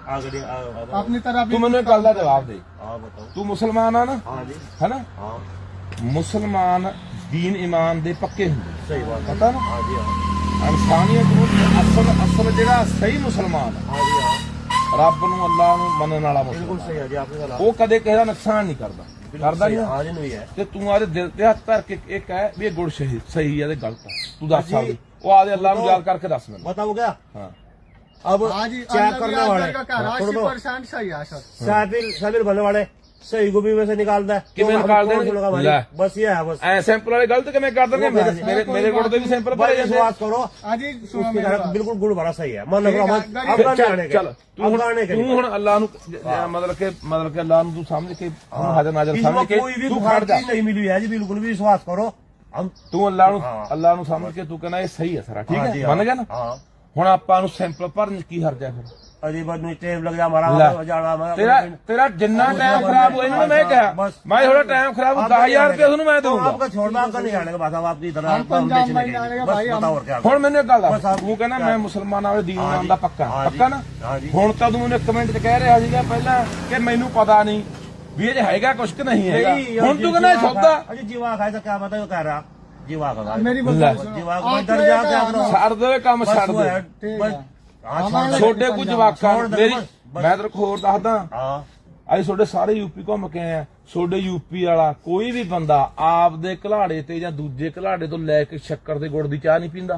[SPEAKER 3] ਆ ਗੜੀ ਆ
[SPEAKER 4] अपनी तरफ
[SPEAKER 2] ਤੂੰ ਮੈਨੂੰ ਇੱਕ ਗੱਲ ਦਾ ਜਵਾਬ ਦੇ,
[SPEAKER 3] ਆ ਬਤਾਓ।
[SPEAKER 2] ਤੂੰ ਮੁਸਲਮਾਨ ਆ ਨਾ,
[SPEAKER 3] ਹਾਂ ਜੀ
[SPEAKER 2] ਹੈਨਾ?
[SPEAKER 3] ਹਾਂ
[SPEAKER 2] ਮੁਸਲਮਾਨ ਦੀਨ ਈਮਾਨ ਦੇ ਪੱਕੇ ਹੁੰਦੇ,
[SPEAKER 3] ਸਹੀ ਬਾਤ
[SPEAKER 2] ਪਤਾ ਨਾ?
[SPEAKER 3] ਹਾਂ ਜੀ ਹਾਂ
[SPEAKER 2] ਇਨਸਾਨੀਅਤ ਨੂੰ ਅਸਲ ਅਸਲ ਜਿਹੜਾ ਸਹੀ ਮੁਸਲਮਾਨ ਆ,
[SPEAKER 3] ਹਾਂ ਜੀ ਹਾਂ
[SPEAKER 2] ਰੱਬ ਨੂੰ ਅੱਲਾਹ ਨੂੰ ਮੰਨਣ ਵਾਲਾ
[SPEAKER 3] ਬਿਲਕੁਲ
[SPEAKER 2] ਮੁਸਲਮਾਨ,
[SPEAKER 3] ਸਹੀ ਹੈ ਜੀ ਆਪਨੇ ਗੱਲ
[SPEAKER 2] ਉਹ ਕਦੇ ਕਿਸੇ ਦਾ ਨੁਕਸਾਨ ਨਹੀਂ ਕਰਦਾ, ਕਰਦਾ ਨਹੀਂ।
[SPEAKER 3] ਹਾਂ ਜੀ ਨਹੀਂ ਹੈ
[SPEAKER 2] ਤੇ ਤੂੰ ਆਦੇ ਦਿਲ ਤੇ ਹੱਥ ਧਰ ਕੇ ਇਹ ਕਹਿ ਵੀ ਇਹ ਗੁੜ ਸਹੀ ਸਹੀ ਆ ਤੇ ਗਲਤ ਆ, ਤੂੰ ਦੱਸ ਸਕਦੀ? ਉਹ ਆਦੇ ਅੱਲਾਹ ਨੂੰ ਯਾਦ ਕਰਕੇ ਦੱਸ ਮੈਨੂੰ।
[SPEAKER 3] बताओ क्या
[SPEAKER 2] ਹਾਂ
[SPEAKER 3] अब
[SPEAKER 4] हाँ जी
[SPEAKER 3] चेक करने वाले
[SPEAKER 4] अस्सी परसेंट सही है सर।
[SPEAKER 3] शामिल शामिल भरने वाले सही को भी वैसे निकालता है
[SPEAKER 2] किमें
[SPEAKER 3] तो
[SPEAKER 2] निकाल
[SPEAKER 3] अब कौन
[SPEAKER 2] देंगे?
[SPEAKER 3] सुनेगा भाई?
[SPEAKER 2] ले।
[SPEAKER 3] बस ये है बस
[SPEAKER 2] ਐ ਸੈਂਪਲ ਵਾਲੇ ਗਲਤ ਕਿਵੇਂ ਕਰ ਦਿੰਦੇ? ਮੇਰੇ ਮੇਰੇ ਮੇਰੇ ਗੁੜ ਦੇ ਵੀ ਸੈਂਪਲ ਭਰੇ
[SPEAKER 3] भाई
[SPEAKER 2] ਜਾਂਦੇ।
[SPEAKER 3] विश्वास करो
[SPEAKER 4] हाँ जी सुनो
[SPEAKER 3] उसकी
[SPEAKER 4] मेरी
[SPEAKER 3] तरह
[SPEAKER 4] बात।
[SPEAKER 3] बिल्कुल गुड़ भरा सही है मन
[SPEAKER 4] ठीक है,
[SPEAKER 3] अब
[SPEAKER 4] गरीब-
[SPEAKER 3] अब
[SPEAKER 2] ਚੱਲ
[SPEAKER 3] आने
[SPEAKER 2] ਚੱਲ ਤੂੰ ਹੁਣ
[SPEAKER 3] के
[SPEAKER 2] ਤੂੰ ਹੁਣ ਅੱਲਾਹ ਨੂੰ ਜ- ਮਤਲਬ ਕਿ ਮਤਲਬ ਕਿ ਅੱਲਾਹ ਨੂੰ ਤੂੰ ਸਮਝ ਕੇ ਉਹਨੂੰ ਹਾਜ਼ਰ ਨਾਜ਼ਰ ਸਮਝ
[SPEAKER 3] इसमें
[SPEAKER 2] ਕੇ
[SPEAKER 3] कोई भी
[SPEAKER 2] ਤੂੰ
[SPEAKER 3] बुखार
[SPEAKER 2] ਖੜ ਜਾ।
[SPEAKER 3] चीज नहीं मिली है जी बिल्कुल भी विश्वास करो हम
[SPEAKER 2] ਤੂੰ ਅੱਲਾਹ ਨੂੰ
[SPEAKER 3] ਹਾਂ।
[SPEAKER 2] ਅੱਲਾਹ ਨੂੰ ਸਮਝ ਕੇ ਤੂੰ ਕਹਿੰਦਾ ਇਹ ਸਹੀ ਹੈ ਸਾਰਾ, ਠੀਕ
[SPEAKER 3] हाँ जी,
[SPEAKER 2] ਹੈ,
[SPEAKER 3] हाँ।
[SPEAKER 2] ਮੰਨ ਗਿਆ ਨਾ?
[SPEAKER 3] हाँ
[SPEAKER 2] ਹੁਣ ਆਪਾਂ ਨੂੰ ਸੈਂਪਲ ਭਰਨ 'ਚ ਕੀ ਹਰਜ ਹੈ ਫਿਰ?
[SPEAKER 3] अजीब आदमी टेप लग जा हमारा
[SPEAKER 2] ਲੈ।
[SPEAKER 3] जाना हमारा
[SPEAKER 2] ਤੇਰਾ ਤੇਰਾ ਜਿੰਨਾ ਟਾਈਮ ਖਰਾਬ ਹੋਇਆ ਇਹਨਾਂ ਨੂੰ ਮੈਂ ਕਿਹਾ
[SPEAKER 3] बस
[SPEAKER 2] ਮੈਂ ਥੋੜਾ ਟਾਈਮ ਖਰਾਬ ਦਸ ਹਜ਼ਾਰ ਰੁਪਏ ਤੁਹਾਨੂੰ ਮੈਂ
[SPEAKER 3] तो
[SPEAKER 2] ਦਊਂਗਾ।
[SPEAKER 3] आपका छोड़ना आपका नहीं आने का बात अब आपकी तरह
[SPEAKER 4] हम पंजाब
[SPEAKER 3] बेचने
[SPEAKER 4] में
[SPEAKER 3] के
[SPEAKER 4] जाने
[SPEAKER 3] लिए।
[SPEAKER 4] का
[SPEAKER 3] बस
[SPEAKER 4] भाई, हम-
[SPEAKER 3] बताओ और क्या
[SPEAKER 2] ਹੁਣ ਮੈਨੂੰ ਇੱਕ ਗੱਲ
[SPEAKER 3] ਬਸ
[SPEAKER 2] ਦੱਸ,
[SPEAKER 3] ਆਪ-
[SPEAKER 2] ਤੂੰ ਕਹਿੰਦਾ ਮੈਂ ਮੁਸਲਮਾਨਾਂ ਵਾਲੇ ਦੀਨ
[SPEAKER 3] ਹਾਂ
[SPEAKER 2] ਇਮਾਨ
[SPEAKER 3] ਜੀ,
[SPEAKER 2] ਦਾ ਪੱਕਾ
[SPEAKER 3] ਹਾਂ ਜੀ,
[SPEAKER 2] ਪੱਕਾ ਨਾ?
[SPEAKER 3] ਹਾਂ ਜੀ।
[SPEAKER 2] ਹੁਣ ਤਾਂ ਤੂੰ ਮੈਨੂੰ ਇੱਕ ਮਿੰਟ 'ਚ ਕਹਿ ਰਿਹਾ ਸੀਗਾ ਪਹਿਲਾਂ ਕਿ ਮੈਨੂੰ ਪਤਾ ਨਹੀਂ ਵੀ ਇਹ 'ਚ ਹੈਗਾ ਕੁਛ ਕਿ ਨਹੀਂ ਹੈਗਾ,
[SPEAKER 3] नहीं,
[SPEAKER 2] ਹੁਣ ਤੂੰ ਕਹਿੰਦਾ ਇਹ ਸੌਦਾ
[SPEAKER 3] अरे जीवा खाए तो क्या बताओ कह रहा जीवा का
[SPEAKER 4] मेरी
[SPEAKER 2] ले।
[SPEAKER 4] बात सुनो।
[SPEAKER 3] जीवा
[SPEAKER 4] आप
[SPEAKER 3] डर
[SPEAKER 4] तो
[SPEAKER 3] जा
[SPEAKER 4] एक
[SPEAKER 3] क्या
[SPEAKER 4] है,
[SPEAKER 3] करो
[SPEAKER 2] ਛੱਡ ਦੇ ਕੰਮ
[SPEAKER 3] बस
[SPEAKER 2] ਛੱਡ
[SPEAKER 3] वो
[SPEAKER 2] ਦੇ।
[SPEAKER 3] है
[SPEAKER 4] ठीक
[SPEAKER 3] बस
[SPEAKER 4] है।
[SPEAKER 3] हाँ
[SPEAKER 4] हमारे
[SPEAKER 3] छोड़
[SPEAKER 2] ਛੋਡੇ ਕੁਝ ਜਵਾਕਾਂ
[SPEAKER 3] छोड़ दे,
[SPEAKER 2] ਮੇਰੀ
[SPEAKER 3] बस, बस।
[SPEAKER 2] ਮੈਂ ਤੈਨੂੰ ਹੋਰ ਦੱਸਦਾ,
[SPEAKER 3] हाँ
[SPEAKER 2] ਅਸੀਂ ਤੁਹਾਡੇ ਸਾਰੇ ਯੂਪੀ ਘੁੰਮ ਕੇ ਆਏ ਆ, ਤੁਹਾਡੇ ਯੂਪੀ ਵਾਲਾ ਕੋਈ ਵੀ ਬੰਦਾ ਆਪ ਦੇ ਘਲਾੜੇ ਤੇ ਜਾਂ ਦੂਜੇ ਘਲਾੜੇ ਤੋਂ ਲੈ ਕੇ ਸ਼ੱਕਰ ਤੇ ਗੁੜ ਦੀ ਚਾਹ ਨਹੀਂ ਪੀਂਦਾ।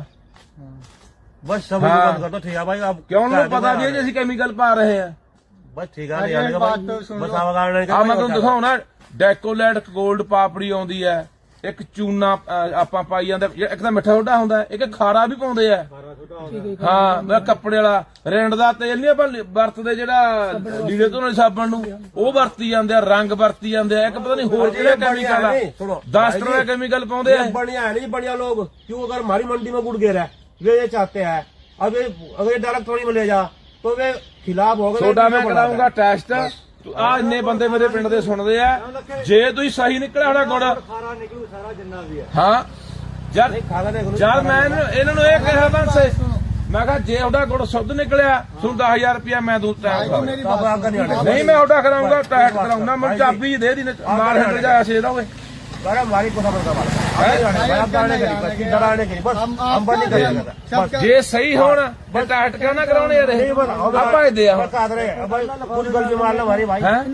[SPEAKER 3] बस सब
[SPEAKER 2] हाँ।
[SPEAKER 3] बंद कर दो ठीक है भाई अब
[SPEAKER 2] ਕਿਉਂ
[SPEAKER 3] क्या
[SPEAKER 2] ਉਹਨੂੰ ਪਤਾ
[SPEAKER 3] करना
[SPEAKER 2] ਵੀ ਇਹ 'ਚ ਅਸੀਂ ਕੈਮੀਕਲ ਪਾ ਰਹੇ ਆ।
[SPEAKER 3] बस ठीक है
[SPEAKER 4] अरे
[SPEAKER 3] नहीं आने का
[SPEAKER 4] बात
[SPEAKER 3] भाई
[SPEAKER 4] तो सुन
[SPEAKER 3] बस
[SPEAKER 4] लो।
[SPEAKER 3] आप आने का
[SPEAKER 2] ਆ ਮੈਂ ਤੁਹਾਨੂੰ ਦਿਖਾਉਣਾ, ਡੈਕੋਲੈਟ ਗੋਲਡ ਪਾਪੜੀ ਆਉਂਦੀ ਹੈ, ਇੱਕ ਚੂਨਾ ਅਹ, ਆਪਾਂ ਪਾਈ ਜਾਂਦੇ, ਇੱਕ ਤਾਂ ਮਿੱਠਾ ਸੋਡਾ ਹੁੰਦਾ, ਇੱਕ ਖਾਰਾ ਵੀ ਪਾਉਂਦੇ ਆ। ਹਾਂ ਮੈਂ ਕੱਪੜੇ ਵਾਲਾ ਰਿੰਡ ਦਾ ਤੇਲ ਨਹੀਂ ਆਪਾਂ ਵਰਤਦੇ ਜਿਹੜਾ ਲੀੜੇ ਧੋਣ ਵਾਲੇ ਸਾਬਣ ਨੂੰ, ਉਹ ਵਰਤੀ ਜਾਂਦੇ ਆ, ਰੰਗ ਵਰਤੀ ਜਾਂਦੇ ਆ, ਇੱਕ ਪਤਾ ਨਹੀਂ ਹੋਰ ਜਿਹੜਾ ਕੈਮੀਕਲ ਆ,
[SPEAKER 3] सुनो
[SPEAKER 2] ਦਸ ਤਰ੍ਹਾਂ ਦੇ ਕੈਮੀਕਲ ਪਾਉਂਦੇ ਆ।
[SPEAKER 3] ये बढ़िया है नहीं बढ़िया लोग क्यों अगर हमारी मंडी में गुड़ गिर है वे ये चाहते हैं अब ये अगर ये डायरेक्ट थोड़ी में ले जा तो वे खिलाफ हो गए
[SPEAKER 2] ਤੁਹਾਡਾ ਮੈਂ ਕਰਾਉਂਗਾ ਟੈਸਟ, ਆ ਇੰਨੇ ਬੰਦੇ ਮੇਰੇ ਪਿੰਡ ਦੇ ਸੁਣਦੇ ਆ, ਜੇ ਤੁਸੀਂ ਸਹੀ ਨਿਕਲਿਆ ਹੋਣਾ ਗੁੜ,
[SPEAKER 3] खारा निकलू सारा जिन्ना भी है
[SPEAKER 2] ਹਾਂ ਯਾਰ
[SPEAKER 3] खारा देख लो
[SPEAKER 2] ਯਾਰ ਮੈਂ ਇਹਨੂੰ- ਇਹਨਾਂ ਨੂੰ ਇਹ ਕਿਹਾ ਬੰਸੇ, ਮੈਂ ਕਿਹਾ ਜੇ ਉਹਦਾ ਗੁੜ ਸ਼ੁੱਧ ਨਿਕਲਿਆ ਤੁਹਾਨੂੰ ਦਸ ਹਜ਼ਾਰ ਰੁਪਇਆ ਮੈਂ ਦੂੰ ਟੈਕਸ
[SPEAKER 4] भाई,
[SPEAKER 2] ਕਰਾਉਂਗਾ।
[SPEAKER 4] मेरी
[SPEAKER 3] तो अब
[SPEAKER 4] बात
[SPEAKER 3] आपका नहीं आने
[SPEAKER 2] ਨਹੀਂ ਮੈਂ ਉਹਦਾ ਕਰਾਉਂਗਾ, ਟੈਕਸ ਕਰਾਉਂਗਾ, ਮੈਂ ਚਾਬੀ ਦੇ ਦੀ ਨਾਲ ਹੰਡ ਜਾਇਆ ਸੀ ਇਹਦਾ ਓਏ।
[SPEAKER 3] अरे हमारी को खबर का डराने के लिए डराने के लिए बस
[SPEAKER 4] हम-
[SPEAKER 3] हम बंद नहीं
[SPEAKER 4] हम-
[SPEAKER 3] करेंगे
[SPEAKER 4] सब
[SPEAKER 3] बस
[SPEAKER 4] क्या-
[SPEAKER 2] ਜੇ ਸਹੀ ਹੋਣ ਤੇ ਟੈਕਸ ਕਿਉਂ ਨਾ ਕਰਾਉਣੇ ਯਾਰ ਇਹ? ਆਪਾਂ ਇਹ ਦੇ ਆ
[SPEAKER 3] बस आदरे भाई कुछ गलती मार लो हमारी भाई
[SPEAKER 2] ਹੈ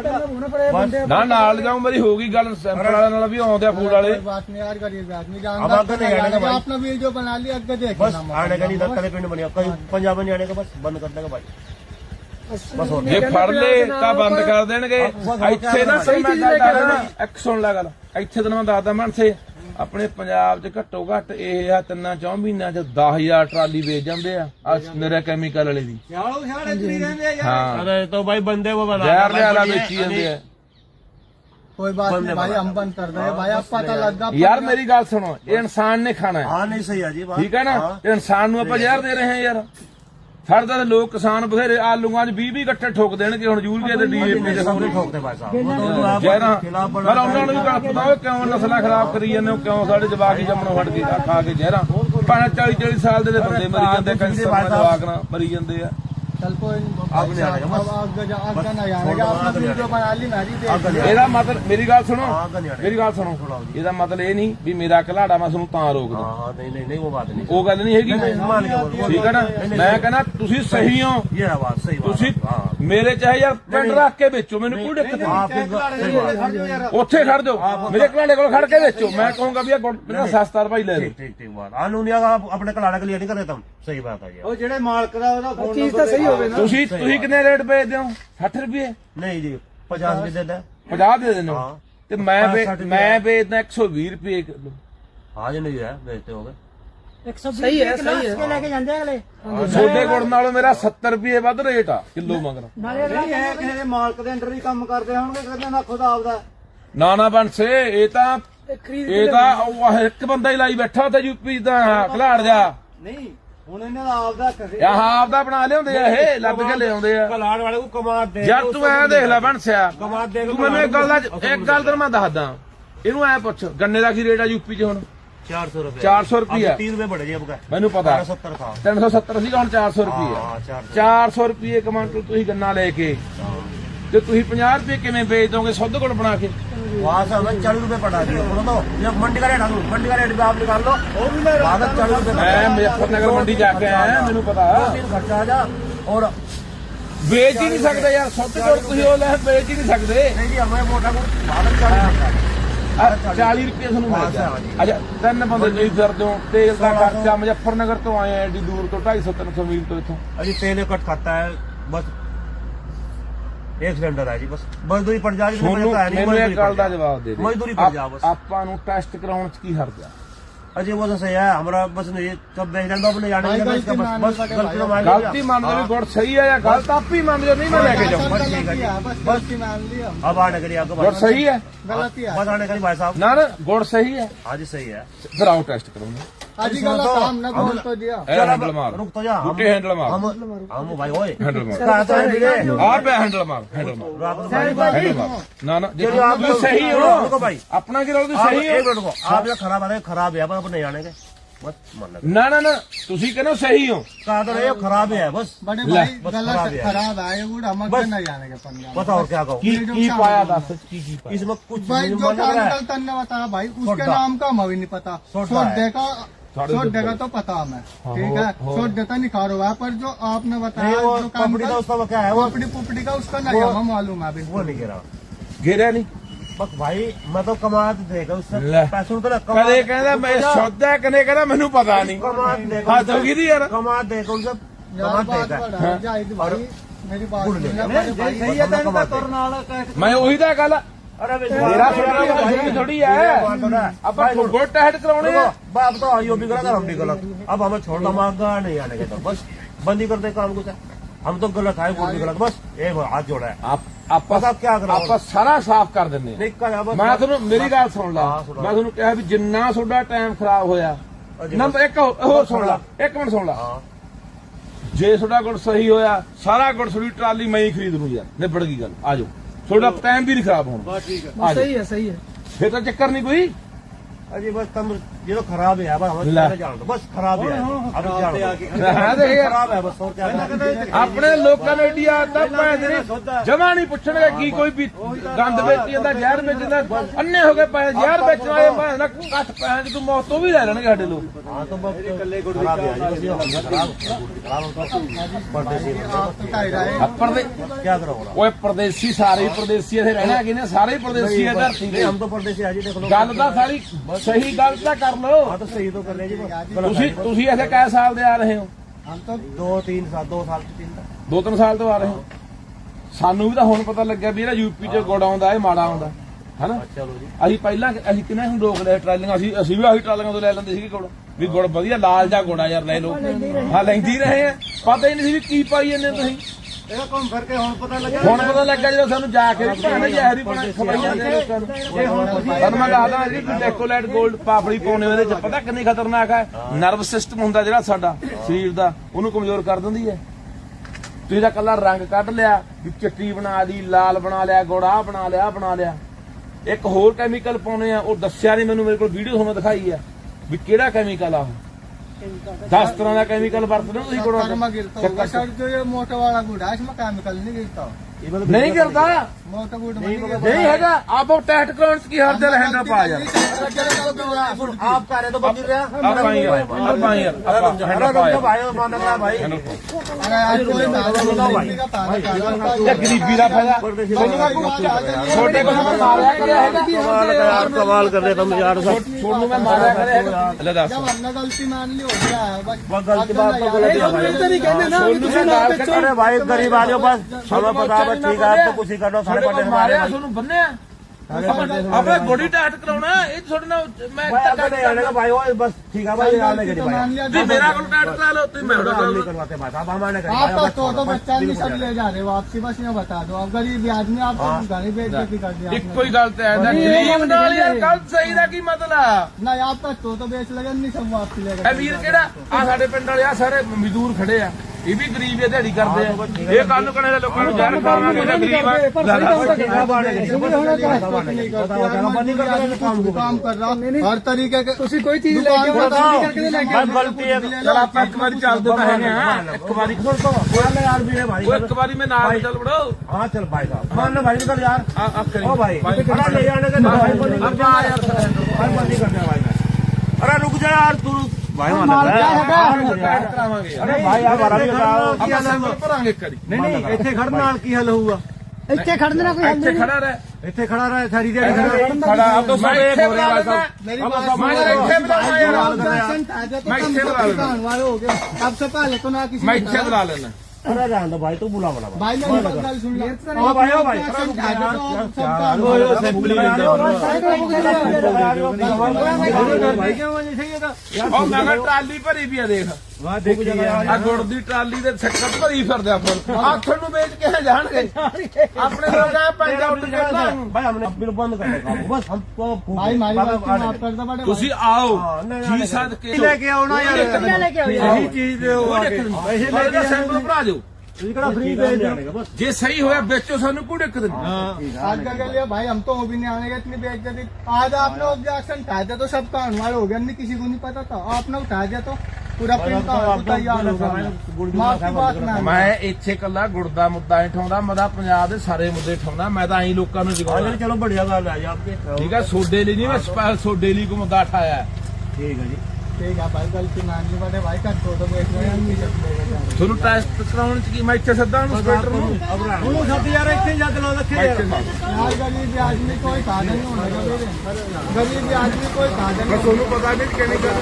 [SPEAKER 2] ਨਾ ਨਾਲ ਜਾऊं, ਮੇਰੀ ਹੋ ਗਈ ਗੱਲ ਸੈਂਪਲ ਵਾਲਿਆਂ ਨਾਲ ਵੀ ਆਉਂਦੇ ਆ ਫੂਡ वाले।
[SPEAKER 4] कोई बात नहीं यार, गरीब आदमी
[SPEAKER 3] अब आगे नहीं आने का भाई।
[SPEAKER 4] अपना वीडियो बना लिया, आगे देख
[SPEAKER 3] बस आने का नहीं दस तले पिंड बनिया कहीं पंजाब नहीं आने का बस बंद कर देगा भाई बस हो
[SPEAKER 2] ਜੇ ਫੜ ਲੇ ਤਾਂ ਬੰਦ ਕਰ ਦੇਣਗੇ। ਇੱਥੇ ਨਾ ਸਹੀ ਚੀਜ਼ ਲੈ ਕੇ ਆਣਾ, ਇੱਕ ਸੁਣ ਲੈ ਗੱਲ, ਇੱਥੇ ਤੈਨੂੰ ਮੈਂ ਦੱਸਦਾ ਮਨਸੇ, ਆਪਣੇ ਪੰਜਾਬ 'ਚ ਘੱਟੋ ਘੱਟ ਇਹ ਆ ਤਿੰਨਾਂ ਚੌਂ ਮਹੀਨਿਆਂ 'ਚ ਦਸ ਹਜ਼ਾਰ ਟਰਾਲੀ ਵੇਚ ਜਾਂਦੇ ਆ ਆ ਨਿਰਾ ਕੈਮੀਕਲ ਵਾਲੇ ਦੀ। ਹਾਂ
[SPEAKER 3] अरे तो भाई बंदे वो बना
[SPEAKER 2] ਜ਼ਹਿਰ ਲਿਆਲਾ ਵੇਚੀ ਜਾਂਦੇ ਆ।
[SPEAKER 4] कोई बात नहीं भाई, हम बंद कर रहे हैं भाई, अब पता लग गया।
[SPEAKER 2] ਯਾਰ ਮੇਰੀ ਗੱਲ ਸੁਣੋ, ਇਹ ਇਨਸਾਨ ਨੇ ਖਾਣਾ ਹੈ,
[SPEAKER 3] हाँ नहीं सही है जी बात
[SPEAKER 2] ਠੀਕ ਹੈ ਨਾ?
[SPEAKER 3] हाँ।
[SPEAKER 2] ਤੇ ਇਨਸਾਨ ਨੂੰ ਆਪਾਂ ਜ਼ਹਿਰ ਦੇ ਰਹੇ ਹਾਂ ਯਾਰ। ਸਾਡੇ ਤਾਂ ਲੋਕ ਕਿਸਾਨ ਬਥੇਰੇ ਆਲੂਆਂ 'ਚ ਵੀਹ ਵੀਹ ਗੱਠੇ ਠੋਕ ਦੇਣਗੇ ਹੁਣ ਯੂਰੀਏ ਤੇ ਡੀਏਪੀ ਦੇ
[SPEAKER 3] सब नहीं ठोकते भाई साहब वो तो आप
[SPEAKER 2] ਜ਼ਹਿਰਾਂ।
[SPEAKER 3] खिलाफ
[SPEAKER 2] ਪਰ ਉਹਨਾਂ ਨੂੰ ਵੀ ਗੱਲ ਪਤਾ ਹੋਵੇ ਕਿਉਂ ਨਸਲਾਂ ਖਰਾਬ ਕਰੀ ਜਾਂਦੇ ਹੋ, ਕਿਉਂ ਸਾਡੇ ਜਵਾਕ ਹੀ ਜੰਮਣੋਂ ਹਟ ਕੇ ਆ ਖਾ ਕੇ ਜ਼ਹਿਰਾਂ। ਭਾਵੇਂ ਚਾਲੀ ਚਾਲੀ ਸਾਲ ਦੇ ਬੰਦੇ ਮਰੀ ਜਾਂਦੇ, ਕੈਂਸਰ ਨਾਲ ਜਵਾਕ ਨਾਲ ਮਰੀ ਜਾਂਦੇ ਆ।
[SPEAKER 4] चल कोई नहीं,
[SPEAKER 3] अब नहीं आने का बस
[SPEAKER 4] अब आगे जा- आगे
[SPEAKER 3] बस
[SPEAKER 4] नहीं आने
[SPEAKER 3] छोड़
[SPEAKER 4] का,
[SPEAKER 3] दो,
[SPEAKER 4] अपना
[SPEAKER 3] आगे नहीं
[SPEAKER 4] वीडियो बना ली, मैं भी देख
[SPEAKER 3] आगे नहीं
[SPEAKER 2] ਇਹਦਾ ਮਤਲਬ ਮੇਰੀ ਗੱਲ ਸੁਣੋ,
[SPEAKER 3] आगे नहीं आने
[SPEAKER 2] ਮੇਰੀ ਗੱਲ ਸੁਣੋ, ਇਹਦਾ ਮਤਲਬ ਇਹ ਨਹੀਂ ਵੀ ਮੇਰਾ ਘਲਾੜਾ ਮੈਂ ਤੁਹਾਨੂੰ ਤਾਂ ਰੋਕ ਦੂੰ,
[SPEAKER 3] हाँ हाँ नहीं नहीं नहीं वो बात नहीं
[SPEAKER 2] ਉਹ ਗੱਲ ਨਹੀਂ ਹੈਗੀ।
[SPEAKER 3] मान के बोलो।
[SPEAKER 2] ਠੀਕ ਹੈ ਨਾ? ਮੈਂ ਕਹਿੰਦਾ ਤੁਸੀਂ ਸਹੀ ਹੋ,
[SPEAKER 3] ये है बात सही बात
[SPEAKER 2] ਤੁਸੀਂ
[SPEAKER 3] हाँ
[SPEAKER 2] ਮੇਰੇ ਚਾਹੇ ਯਾਰ ਪਿੰਡ ਰੱਖ ਕੇ ਵੇਚੋ, ਮੈਨੂੰ ਕੋਈ ਦਿੱਕਤ ਨਹੀਂ।
[SPEAKER 3] आप सही बात
[SPEAKER 2] ਉੱਥੇ ਖੜ ਜਾਓ, ਮੇਰੇ ਘਲਾੜੇ ਕੋਲ ਖੜ ਕੇ ਵੇਚੋ, ਮੈਂ ਕਹੂੰਗਾ ਵੀ ਇਹ ਗੁੜ ਮੇਰਾ ਸਸਤਾ ਭਾਈ ਲੈ ਲਓ।
[SPEAKER 3] ठीक ठीक ठीक बात आलूनिया का आप अपने कलाड़ा के लिए नहीं कर देता हूँ सही बात है ये
[SPEAKER 4] ਉਹ ਜਿਹੜੇ ਮਾਲਕ ਦਾ ਉਹਦਾ ਫੋਨ ਚੀਜ਼ ਤਾਂ ਸਹੀ ਹੋਵੇ
[SPEAKER 2] ਤੁਸੀਂ ਤੁਸੀਂ ਕਿੰਨੇ ਰੇਟ ਵੇਚਦੇ ਹੋ? ਸੱਠ ਰੁਪਏ
[SPEAKER 3] नहीं जी पचास भी दे दे
[SPEAKER 2] ਪੰਜਾਹ ਦੇ ਦਿੰਦੇ ਹੋ,
[SPEAKER 3] ਹਾਂ।
[SPEAKER 2] ਤੇ ਮੈਂ ਵੇ-
[SPEAKER 3] ਸੱਠ ਰੁਪਏ।
[SPEAKER 2] ਮੈਂ ਵੇਚਦਾ ਇੱਕ ਸੌ ਵੀਹ ਰੁਪਏ ਕਿਲੋ।
[SPEAKER 3] हाँ जी नहीं है बेचते हो गए
[SPEAKER 5] ਸਹੀ ਹੈ ਸਹੀ ਹੈ ਲੈ ਕੇ ਜਾਂਦੇ ਅਗਲੇ
[SPEAKER 2] ਛੋਟੇ ਗੁੜ ਨਾਲੋਂ ਮੇਰਾ ਸੱਤਰ ਰੁਪਏ ਵੱਧ ਰੇਟ ਆ ਕਿਲੋ ਮਗਰ।
[SPEAKER 5] ਨਾਲੇ
[SPEAKER 4] ਨਹੀਂ ਹੈ, ਕਿਸੇ ਦੇ ਮਾਲਕ ਦੇ ਅੰਡਰ ਹੀ ਕੰਮ ਕਰਦੇ ਹੋਣਗੇ, ਕਹਿੰਦੇ ਨਾ ਖੁਦ ਆਪਦਾ।
[SPEAKER 2] ਨਾ ਨਾ ਬੰਸੇ, ਇਹ ਤਾਂ
[SPEAKER 5] ਖਰੀਦ
[SPEAKER 2] ਇਹ ਤਾਂ ਉਹ ਇੱਕ ਬੰਦਾ ਹੀ ਲਾਈ ਬੈਠਾ ਤੇ ਯੂਪੀ ਦਾ ਘਲਾੜ ਜਾ।
[SPEAKER 4] ਨਹੀਂ ਹੁਣ ਇਹਨਾਂ ਦਾ ਆਪਦਾ ਕਰੇ।
[SPEAKER 2] ਆਹ ਆਪਦਾ ਬਣਾ ਲਿਆਉਂਦੇ ਆ, ਇਹ ਲੱਭ ਕੇ ਲਿਆਉਂਦੇ ਆ।
[SPEAKER 3] कलाड़ वाले को कमा दे
[SPEAKER 2] ਯਾਰ ਤੂੰ ਐ ਦੇਖ ਲੈ ਬੰਸਿਆ,
[SPEAKER 3] कमा दे
[SPEAKER 2] ਤੂੰ ਮੈਨੂੰ ਇੱਕ ਗੱਲ ਦਾ ਇੱਕ ਗੱਲ ਤੈਨੂੰ ਮੈਂ ਦੱਸਦਾ, ਇਹਨੂੰ ਐ ਪੁੱਛ ਗੰਨੇ ਦਾ ਕੀ ਰੇਟ ਆ ਯੂਪੀ 'ਚ ਹੁਣ?
[SPEAKER 3] चार सौ रुपये
[SPEAKER 2] चार सौ रुपया
[SPEAKER 3] तीन रुपये बढ़े जी अब का
[SPEAKER 2] ਮੈਨੂੰ ਪਤਾ
[SPEAKER 3] सत्तर था
[SPEAKER 2] तीन सौ सत्तर ਸੀਗਾ ਹੁਣ चार सौ
[SPEAKER 3] ਹਾਂ,
[SPEAKER 2] ਰੁਪਏ
[SPEAKER 3] ਚਾਰ ਸੌ।
[SPEAKER 2] चार सौ ਰੁਪਏ ਕਮਾਂਟਰ ਤੁਸੀਂ ਗੰਨਾ ਲੈ ਕੇ ਤੇ ਤੁਸੀਂ ਪੰਜਾਹ ਰੁਪਏ ਕਿਵੇਂ ਵੇਚ ਦੋਗੇ ਸੁੱਧ ਗੁੜ ਬਣਾ ਕੇ
[SPEAKER 3] वहाँ से हमें चालीस रुपये पटा दिए बोलो तो ये मंडी का रेट है मंडी का रेट भी आप निकाल लो बाद में चालीस रुपये
[SPEAKER 2] ਮੈਂ ਮੁਜ਼ੱਫਰਨਗਰ ਮੰਡੀ ਜਾ ਕੇ ਆਇਆ ਮੈਨੂੰ ਪਤਾ
[SPEAKER 3] खर्चा आ जा और
[SPEAKER 2] ਵੇਚ ਹੀ ਨਹੀਂ ਸਕਦੇ ਯਾਰ ਸੁੱਧ ਗੁੜ ਤੁਸੀਂ ਉਹ ਲੈ ਵੇਚ ਹੀ ਨਹੀਂ ਸਕਦੇ
[SPEAKER 3] नहीं जी हमें मोटा गुड़ बाद में चालीस रुपये
[SPEAKER 2] ਚਾਲੀ ਰੁਪਏ ਤੁਹਾਨੂੰ ਮਿਲ ਗਿਆ ਅੱਛਾ ਤਿੰਨ ਬੰਦੇ ਤੁਸੀਂ ਫਿਰਦੇ ਹੋ ਤੇਲ ਦਾ ਖਰਚਾ ਮੁਜ਼ੱਫਰਨਗਰ ਤੋਂ ਆਏ ਆ ਐਡੀ ਦੂਰ ਤੋਂ ਢਾਈ ਸੌ ਤਿੰਨ ਸੌ ਮੀਲ ਤੋਂ ਇੱਥੋਂ
[SPEAKER 3] अजी तेल कट खाता है बस एक सिलेंडर है जी बस मजदूरी पड़ जाएगी
[SPEAKER 2] ਤੁਹਾਨੂੰ ਮੈਨੂੰ ਇਹ ਗੱਲ ਦਾ ਜਵਾਬ ਦੇ ਦੇ
[SPEAKER 3] मजदूरी पड़ जाओ बस
[SPEAKER 2] ਆਪਾਂ ਨੂੰ ਟੈਸਟ ਕਰਾਉਣ ਚ ਕੀ ਹਰਜ ਆ
[SPEAKER 3] अजय वो तो सही है हमारा बस नहीं कब बेच रहा अपने जाने
[SPEAKER 4] भाई,
[SPEAKER 3] का
[SPEAKER 4] गलती
[SPEAKER 3] इसका बस
[SPEAKER 4] मान
[SPEAKER 3] बस
[SPEAKER 4] लो,
[SPEAKER 3] गलती तो मान
[SPEAKER 2] ਗਲਤੀ ਮੰਨਦੇ ਵੀ ਗੁੜ ਸਹੀ ਹੈ ਜਾਂ ਗਲਤ ਆਪ ਹੀ ਮੰਨਦੇ ਨਹੀਂ ਮੈਂ ਲੈ ਕੇ ਜਾਊਂ
[SPEAKER 3] ठीक है
[SPEAKER 4] बस गलती मान ली हम
[SPEAKER 3] अब आने करिए आपको
[SPEAKER 2] ਗੁੜ ਸਹੀ ਹੈ
[SPEAKER 4] गलती है
[SPEAKER 3] बस आने करिए भाई साहब
[SPEAKER 2] ਨਾ ਨਾ ਗੁੜ ਸਹੀ ਹੈ
[SPEAKER 3] हाँ जी सही है
[SPEAKER 2] ਫਿਰ ਆਓ ਟੈਸਟ ਕਰਾਉਂਗੇ
[SPEAKER 4] आज ही गलत काम न बोल तो दिया
[SPEAKER 2] ਇਹ ਹੈਂਡਲ ਮਾਰ
[SPEAKER 3] रुक तो जा हम
[SPEAKER 2] ਬੂਟੇ ਹੈਂਡਲ ਮਾਰ
[SPEAKER 3] हम हम भाई ओए
[SPEAKER 2] ਹੈਂਡਲ ਮਾਰ
[SPEAKER 3] कहा तो है ठीक है
[SPEAKER 2] ਆ ਪਿਆ ਹੈਂਡਲ ਮਾਰ ਹੈਂਡਲ ਮਾਰ
[SPEAKER 3] आप भाई
[SPEAKER 2] ਹੈਂਡਲ ਮਾਰ ਨਾ ਨਾ ਜੇ
[SPEAKER 3] चलिए आप
[SPEAKER 2] ਤੁਸੀਂ ਸਹੀ
[SPEAKER 3] रुको
[SPEAKER 2] ਹੋ
[SPEAKER 3] भाई
[SPEAKER 2] ਆਪਣਾ ਕੀ ਰੋਲ ਤੁਸੀਂ
[SPEAKER 3] आप
[SPEAKER 2] ਸਹੀ
[SPEAKER 3] एक
[SPEAKER 2] ਹੋ
[SPEAKER 3] मिनट को आप ये खराब आ रहे खराब है आप नहीं जाने के बस मान लगे
[SPEAKER 2] ਨਾ ਨਾ ਨਾ ਤੁਸੀਂ ਕਹਿੰਦੇ ਹੋ ਸਹੀ ਹੋ
[SPEAKER 3] कहा तो रहे खराब है बस
[SPEAKER 4] बड़े
[SPEAKER 2] ले,
[SPEAKER 4] भाई
[SPEAKER 3] बस
[SPEAKER 4] गलत
[SPEAKER 3] खराब है।
[SPEAKER 4] खराब है वो हम
[SPEAKER 3] बस।
[SPEAKER 4] न जाने के पंगा
[SPEAKER 3] बताओ क्या कहो
[SPEAKER 2] ਕੀ ਕੀ ਪਾਇਆ ਦੱਸ ਕੀ ਕੀ ਪਾਇਆ
[SPEAKER 3] इसमें कुछ
[SPEAKER 4] भाई
[SPEAKER 3] नहीं
[SPEAKER 4] जो
[SPEAKER 3] मन लग रहा है
[SPEAKER 4] केमिकल तन्ने बताया भाई उसके
[SPEAKER 3] सोडा।
[SPEAKER 4] नाम का हमें भी नहीं पता
[SPEAKER 3] सोडा
[SPEAKER 4] सोडे
[SPEAKER 3] है।
[SPEAKER 4] का
[SPEAKER 2] साढ़े
[SPEAKER 4] सोडे का
[SPEAKER 2] दो
[SPEAKER 4] तो पता हमें
[SPEAKER 2] हाँ,
[SPEAKER 4] ठीक
[SPEAKER 2] हो-
[SPEAKER 4] है
[SPEAKER 2] हो।
[SPEAKER 4] सोडे तो नहीं खा रहा है पर जो आपने
[SPEAKER 3] नहीं
[SPEAKER 4] बताया
[SPEAKER 3] वो
[SPEAKER 4] जो
[SPEAKER 3] पपड़ी का उसका वो क्या है वो
[SPEAKER 4] पपड़ी पुपड़ी का उसका नहीं
[SPEAKER 3] वो-
[SPEAKER 4] हमें मालूम है
[SPEAKER 3] वो
[SPEAKER 4] बिल्कुल
[SPEAKER 3] नहीं कह रहा
[SPEAKER 2] ਘੇਰਿਆ ਨਹੀਂ
[SPEAKER 3] बस भाई मैं तो कमा देगा उससे
[SPEAKER 2] ले।
[SPEAKER 3] पैसों तो ना कमा
[SPEAKER 2] ਕਦੇ ਕਹਿੰਦਾ ਮੈਂ ਸੌਦਾ ਹੈ, ਕਦੇ ਕਹਿੰਦਾ ਮੈਨੂੰ ਪਤਾ ਨਹੀਂ
[SPEAKER 3] कमा देगा
[SPEAKER 2] ਹੱਦ ਹੋ ਗਈ ਦੀ ਯਾਰ
[SPEAKER 3] कमा देगा उनसे
[SPEAKER 4] यार
[SPEAKER 3] कमा
[SPEAKER 4] बात
[SPEAKER 3] देगा
[SPEAKER 4] बड़ा है जाहिद भाई मेरी बात
[SPEAKER 3] गुड़
[SPEAKER 4] सुन
[SPEAKER 3] ले।
[SPEAKER 4] ले बड़े भाई
[SPEAKER 3] सही है तेन का तोरना
[SPEAKER 2] ਮੈਂ ਉਹੀ ਤਾਂ ਗੱਲ
[SPEAKER 3] अरे
[SPEAKER 2] ਮੇਰਾ ਛੋਟਾ ਭਾਈ ਥੋੜੀ ਹੈ ਆਪਾਂ ਗੁੜ ਟੈਸਟ ਕਰਾਉਣੇ ਆ
[SPEAKER 3] बाप तो यो भी गलत और हम भी गलत अब हमें छोड़ना मांगा नहीं आने के तो बस बंद ही करते काम कुछ हम तो गलत है वो भी गलत बस एक हाथ जोड़ा है
[SPEAKER 2] ਆਪ- ਆਪਾਂ
[SPEAKER 3] ਪਤਾ ਕਿਆ ਕਰਾਉਣਾ?
[SPEAKER 2] ਆਪਾਂ ਸਾਰਾ ਸਾਫ਼ ਕਰ ਦਿੰਦੇ ਆ
[SPEAKER 3] नहीं कर बस
[SPEAKER 2] ਮੈਂ ਤੁਹਾਨੂੰ ਮੇਰੀ ਗੱਲ ਸੁਣ ਲਾ
[SPEAKER 3] ਹਾਂ, ਸੁਣਾ।
[SPEAKER 2] ਮੈਂ ਤੁਹਾਨੂੰ ਕਿਹਾ ਵੀ ਜਿੰਨਾ ਤੁਹਾਡਾ ਟਾਈਮ ਖਰਾਬ ਹੋਇਆ
[SPEAKER 3] ਅਜੇ
[SPEAKER 2] ਨੰਬਰ ਇੱਕ ਹੋਰ ਹੋਰ ਸੁਣ ਲਾ ਇੱਕ ਮਿੰਟ ਸੁਣ ਲਾ
[SPEAKER 3] हाँ
[SPEAKER 2] ਜੇ ਤੁਹਾਡਾ ਗੁੜ ਸਹੀ ਹੋਇਆ ਸਾਰਾ ਗੁੜ ਤੁਹਾਡੀ ਟਰਾਲੀ ਮੈਂ ਹੀ ਖਰੀਦ ਲੂੰ ਯਾਰ ਨਿਬੜ ਗਈ ਗੱਲ ਆ ਜਾਓ ਤੁਹਾਡਾ ਟਾਈਮ ਵੀ ਨਹੀਂ ਖਰਾਬ ਹੋਣਾ ਸਹੀ ਹੈ ਸਹੀ ਹੈ ਫਿਰ ਤਾਂ ਚੱਕਰ ਨਹੀਂ ਕੋਈ
[SPEAKER 3] अजी बस तुम ये तो खराब है अब हमें
[SPEAKER 2] ला।
[SPEAKER 3] पहले जान दो बस खराब है अब जान दो
[SPEAKER 2] ਹਾਂ ਤੇ ਇਹ
[SPEAKER 3] खराब है बस और क्या करें?
[SPEAKER 2] ਆਪਣੇ ਲੋਕਾਂ ਨੂੰ ਇੰਡੀਆ ਦਾ ਭੈਣ ਨੇ ਜਮਾ ਨਹੀਂ ਪੁੱਛਣਗੇ ਕੀ ਕੋਈ ਵੀ ਗੰਦ ਵੇਚੀ ਜਾਂਦਾ ਜ਼ਹਿਰ ਵੇਚਦਾ ਅੰਨੇ ਹੋ ਗਏ ਪਏ ਜ਼ਹਿਰ ਵੇਚਣ ਵਾਲੇ ਭੈਣ ਦਾ ਕੱਟ ਪੈਣ ਤੂੰ ਮੌਤ ਤੋਂ ਵੀ ਲੈ ਲੈਣਗੇ ਸਾਡੇ ਲੋਕ
[SPEAKER 3] हाँ तो बस खराब है बस ये हमने खराब खराब होता परदेसी
[SPEAKER 4] आप तो कह रहे
[SPEAKER 2] ਆ ਪਰਦੇ
[SPEAKER 3] क्या करो बोला
[SPEAKER 2] ਓਏ ਪਰਦੇਸੀ ਸਾਰੇ ਹੀ ਪਰਦੇਸੀ ਇੱਥੇ ਰਹਿਣਾ ਕਿ ਨੇ ਸਾਰੇ ਹੀ ਪਰਦੇਸੀ ਆ ਧਰਤੀ
[SPEAKER 3] नहीं
[SPEAKER 2] ਦੇ
[SPEAKER 3] हम तो परदेसी आज ही देख लो
[SPEAKER 2] ਗੱਲ ਤਾਂ ਸਾਰੀ ਸਹੀ ਗੱਲ ਤਾਂ ਕਰ ਲਓ
[SPEAKER 3] हाँ तो सही तो कर ले जी बस गलत
[SPEAKER 2] ਤੁਸੀਂ
[SPEAKER 3] है।
[SPEAKER 2] ਤੁਸੀਂ ਇੱਥੇ ਕੈ ਸਾਲ ਦੇ ਆ ਰਹੇ ਹੋ
[SPEAKER 4] हम तो
[SPEAKER 3] दो तीन साल दो साल तीन साल
[SPEAKER 2] ਦੋ ਤਿੰਨ ਸਾਲ ਤੋਂ ਆ ਰਹੇ ਹੋ ਸਾਨੂੰ ਵੀ ਤਾਂ ਹੁਣ ਪਤਾ ਲੱਗਿਆ ਵੀ ਇਹਦਾ ਯੂਪੀ ਚ ਗੁੜ ਆਉਂਦਾ ਇਹ ਮਾੜਾ ਆਉਂਦਾ ਹਨਾ
[SPEAKER 3] चलो जी
[SPEAKER 2] ਅਸੀਂ ਪਹਿਲਾਂ ਅਸੀਂ ਕਿੰਨਾ ਹੁਣ ਰੋਕ ਲਿਆ ਟਰਾਲੀਆਂ ਅਸੀਂ ਅਸੀਂ ਵੀ ਆਹੀ ਟਰਾਲੀਆਂ ਤੋਂ ਲੈ ਲੈਂਦੇ ਸੀਗੇ ਗੁੜ ਵੀ ਗੁੜ ਵਧੀਆ ਲਾਲ ਜਾ ਗੁੜਾ ਯਾਰ ਲੈ ਲਓ ਹਾਂ ਲੈਂਦੀ ਰਹੇ ਆ ਪਤਾ ਹੀ ਨਹੀਂ ਸੀ ਵੀ ਕੀ ਪਾਈ ਜਾਂਦੇ ਤੁਸੀਂ
[SPEAKER 3] ਇਹਦਾ ਕੰਮ ਕਰਕੇ ਹੁਣ ਪਤਾ ਲੱਗਾ
[SPEAKER 2] ਹੁਣ ਪਤਾ ਲੱਗਾ ਜਦੋਂ ਸਾਨੂੰ ਜਾ ਕੇ ਵੀ ਭਾਣੇ ਜ਼ਹਿਰੀ ਬਣਾ ਖਵਾਈ ਜਾਂਦੇ ਆ ਲੋਕਾਂ ਨੂੰ ਤੁਹਾਨੂੰ ਮੈਂ ਦੱਸਦਾ ਜੀ ਤੁਸੀਂ ਡੈਕੋਲੇਟ 골ਡ ਪਾਪੜੀ ਪਾਉਣੇ ਉਹਦੇ ਚ ਪਤਾ ਕਿੰਨੀ ਖਤਰਨਾਕ ਹੈ ਨਰਵ ਸਿਸਟਮ ਹੁੰਦਾ ਜਿਹੜਾ ਸਾਡਾ ਸਰੀਰ ਦਾ ਉਹਨੂੰ ਕਮਜ਼ੋਰ ਕਰ ਦਿੰਦੀ ਹੈ ਤੁਸੀਂ ਤਾਂ ਕੱਲਾ ਰੰਗ ਕੱਢ ਲਿਆ ਵੀ ਚਿੱਟੀ ਬਣਾ ਲਈ ਲਾਲ ਬਣਾ ਲਿਆ ਗੋੜਾ ਬਣਾ ਲਿਆ ਬਣਾ ਲਿਆ ਇੱਕ ਹੋਰ ਕੈਮੀਕਲ ਪਾਉਣੇ ਆ ਉਹ ਦੱਸਿਆ ਨਹੀਂ ਮੈਨੂੰ ਮੇਰੇ ਕੋਲ ਵੀਡੀਓ ਤੁਹਾਨੂੰ ਦਿਖਾਈ ਆ ਵੀ ਕਿਹੜਾ ਕੈਮੀਕਲ ਆ ਉਹ ਦਸ ਤਰ੍ਹਾਂ ਦਾ ਕੈਮੀਕਲ ਵਰਤਦੇ ਹੋ ਤੁਸੀਂ ਗੁੜਾਂ
[SPEAKER 4] शक्कर में गिरता होगा सर जो ये मोटा वाला गुड़ है इसमें केमिकल नहीं गिरता
[SPEAKER 2] ਨਹੀਂ ਕਰਦਾ
[SPEAKER 4] मोटा गुड़ में नहीं गिरता
[SPEAKER 2] ਨਹੀਂ ਹੈਗਾ ਆਪੋ ਟੈਸਟ ਕਰਾਉਣ ਚ ਕੀ ਹਰਜ ਹੈ ਹੈਂਡਲ ਪਾ ਯਾਰ
[SPEAKER 3] आप कह रहे तो बंद रहा
[SPEAKER 2] ਆਪਾਂ ਹੀ ਯਾਰ ਆਪਾਂ ਹੀ ਯਾਰ ਆਪਾਂ ਹੈਂਡਲ ਪਾ ਯਾਰ
[SPEAKER 3] भाई मान रहा भाई
[SPEAKER 2] ਹੈਂਡਲ ਪਾ।
[SPEAKER 4] अरे यार कोई गरीबी का पानी खा
[SPEAKER 2] ਇਹ ਗਰੀਬੀ ਦਾ ਫਾਇਦਾ ਛੋਟੇ ਕੋਲ ਮੈਂ ਮਾਰਿਆ ਕਰਿਆ ਹੈਗਾ
[SPEAKER 3] कमाल कर यार कमाल कर रहे तुम यार सब
[SPEAKER 2] ਛੋਟੂ ਮੈਂ ਮਾਰਿਆ ਕਰਿਆ ਹੈਗਾ ਲੈ ਦੱਸ
[SPEAKER 4] जब हमने गलती मान ली हो गया है बस
[SPEAKER 3] वो गलती बात तो गलत है भाई
[SPEAKER 2] ਛੋਟੂ ਮੈਂ ਨਾਲ ਕੱਢ
[SPEAKER 3] अरे भाई गरीब आदमी बस हमें पता बस ठीक है आप तो कुछ ही करना सारे
[SPEAKER 2] ਛੋਟੇ
[SPEAKER 3] पटे
[SPEAKER 2] ਕੋਲ
[SPEAKER 3] हमारे
[SPEAKER 2] ਮਾਰਿਆ ਤੁਹਾਨੂੰ ਬੰਨਿਆ ਆਪਣੇ ਗੋਡੀ ਟਾਟ ਕਰਾਉਣਾ ਇਹ ਤੁਹਾਡੇ ਨਾਲ ਮੈਂ
[SPEAKER 3] भाई अब नहीं आने का भाई वो बस ठीक है भाई आने के
[SPEAKER 4] तो मान
[SPEAKER 3] भाई
[SPEAKER 4] लिया
[SPEAKER 2] ਤੁਸੀਂ ਮੇਰਾ ਕੋਲ ਟਾਟ ਕਰਾ ਲਓ ਤੁਸੀਂ ਮੇਰਾ
[SPEAKER 3] हम
[SPEAKER 2] ਕੋਲ
[SPEAKER 3] नहीं करवाते भाई अब हमारे
[SPEAKER 4] आप तो तो, तो बच्चा नहीं सब ले जा रहे हो आपसी बस ये बता दो आप गरीब आदमी आप तो घर बेइज्जती कर दिया
[SPEAKER 2] ਇੱਕੋ ਹੀ ਗੱਲ ਤੇ ਐਦਾ ਗਰੀਬ ਨਾਲ ਯਾਰ ਗਲਤ ਸਹੀ ਦਾ ਕੀ ਮਤਲਬ
[SPEAKER 4] ना आप तो तो तो बेच लगे नहीं सब वापसी लेगा
[SPEAKER 2] ਅਮੀਰ ਕਿਹੜਾ ਆ ਸਾਡੇ ਪਿੰਡ ਵਾਲੇ ਆ ਸਾਰੇ ਮਜ਼ਦੂਰ ਖੜੇ ਆ ਇਹ ਵੀ ਗਰੀਬ ਹੈ, ਦਿਹਾੜੀ ਕਰਦੇ ਆ। ਇਹ ਕੱਲ ਨੂੰ ਕਹਣੇ ਲੋਕਾਂ ਨੂੰ ਜ਼ਹਿਰ ਖਾਵਾਂਗੇ ਤਾਂ ਗਰੀਬ ਆ।
[SPEAKER 4] काम कर रहा हर तरीके के कोई चीज
[SPEAKER 2] गलती है। चल आप एक बार चलते तो है एक बार वो एक बार में नाल चल बड़ो।
[SPEAKER 3] हाँ चल भाई साहब मान लो भाई निकल यार। ओ भाई अरे ले जाने के भाई बंदी कर दे भाई। अरे रुक जा यार तू भाई मान ले।
[SPEAKER 2] अरे भाई हमारा भी बताओ ਆਪਾਂ ਸੈਂਪਲ ਭਰਾਂਗੇ ਇੱਕ ਵਾਰੀ।
[SPEAKER 3] नहीं नहीं ਇੱਥੇ ਖੜਨ ਨਾਲ ਕੀ ਹੱਲ ਹੋਊਗਾ?
[SPEAKER 5] ਇੱਥੇ ਖੜਨ ਦਾ ਕੋਈ ਹੱਲ
[SPEAKER 2] ਇੱਥੇ
[SPEAKER 5] ਨਹੀਂ।
[SPEAKER 2] ਖੜਾ ਰਹਿ
[SPEAKER 3] ਇੱਥੇ ਖੜਾ ਰਹੇ ਸਾਰੀ ਦਿਹਾੜੀ
[SPEAKER 2] खड़ा अब तो सब एक हो रहा है सब।
[SPEAKER 4] मेरी
[SPEAKER 2] अब
[SPEAKER 4] बात
[SPEAKER 2] सब मैं इतने बुलाऊंगा यार। मैं इतने बुला लेना।
[SPEAKER 4] हो गया अब से पहले तो ना किसी
[SPEAKER 2] मैं इतने बुला लेना।
[SPEAKER 3] अरे रहने दो भाई तू बुला बुला
[SPEAKER 4] भाई मेरी बात गल सुन ले
[SPEAKER 3] ओ भाई ओ भाई
[SPEAKER 2] ਉਹ ਮੈਂ ਕਿਹਾ ਟਰਾਲੀ ਭਰੀ ਵੀ ਆ ਦੇਖ।
[SPEAKER 3] वाह देखो
[SPEAKER 2] ਆ ਗੁੜ ਦੀ ਟਰਾਲੀ ਦੇ ਛੱਕਰ ਭਰੀ ਫਿਰਦੇ ਆ ਫੁੱਲ। ਆਖਣ ਨੂੰ ਵੇਚ ਕੇ ਜਾਣਗੇ ਆਪਣੇ ਲੋਕਾਂ ਪੰਜ ਉੱਟ ਕੇ ਲਾ।
[SPEAKER 3] भाई हमने बिल बंद कर दिया बस हमको
[SPEAKER 4] भाई मारी बात को माफ कर दो बड़े
[SPEAKER 2] ਤੁਸੀਂ ਆਓ ਜੀ ਸਾਧ के
[SPEAKER 3] लेके आओ ना यार
[SPEAKER 5] लेके आओ
[SPEAKER 3] यही चीज
[SPEAKER 2] पैसे लेके सैंपल भरा दिਓ।
[SPEAKER 3] फ्री भेज देंगे बस
[SPEAKER 2] ਜੇ ਸਹੀ ਹੋਇਆ ਵੇਚੋ ਸਾਨੂੰ ਕੋਈ ਦਿੱਕਤ नहीं।
[SPEAKER 4] आज का क्या लिया भाई हम तो वो भी नहीं आने का इतनी बेइज्जती। आज आपने ऑब्जेक्शन उठाया था तो सब कानून हो गया, नहीं किसी को नहीं पता था। आपने उठाया दिया तो पूरा प्रिंट का तैयार हो गया। माफ की बात ना
[SPEAKER 2] ਮੈਂ ਇੱਥੇ ਕੱਲਾ ਗੁੜ ਦਾ ਮੁੱਦਾ ਨਹੀਂ ਠਾਉਂਦਾ, ਮੈਂ ਤਾਂ ਪੰਜਾਬ ਦੇ ਸਾਰੇ ਮੁੱਦੇ ਠਾਉਂਦਾ। ਮੈਂ ਤਾਂ ਐਂ ਲੋਕਾਂ ਨੂੰ ਜਗਾਉਂਦਾ।
[SPEAKER 3] चलो बढ़िया बात है आपके
[SPEAKER 2] ਠੀਕ ਹੈ ਸੋਡੇ ਲਈ ਨਹੀਂ, ਮੈਂ ਸਪੈਸ਼ਲ ਸੋਡੇ ਲਈ ਕੋ ਮੁੱਦਾ ਉਠਾਇਆ।
[SPEAKER 3] ठीक है जी
[SPEAKER 4] ठीक है भाई गलती मान ली बड़े भाई का फोटो देख रहे हैं नहीं सकते।
[SPEAKER 2] ਤੁਹਾਨੂੰ ਟੈਸਟ ਕਰਾਉਣ ਚ ਕੀ ਮੈਂ ਇੱਥੇ ਸੱਦਾ ਨੂੰ ਇੰਸਪੈਕਟਰ ਨੂੰ।
[SPEAKER 3] बोलो सब यार इतने ज्यादा लोग रखे
[SPEAKER 2] ਮੈਂ ਇੱਥੇ ਸੱਦਾ।
[SPEAKER 4] यार गरीब आदमी कोई साधन नहीं होना चाहिए। गरीब आदमी कोई साधन
[SPEAKER 2] ਮੈਂ ਤੁਹਾਨੂੰ पता नहीं कहने का।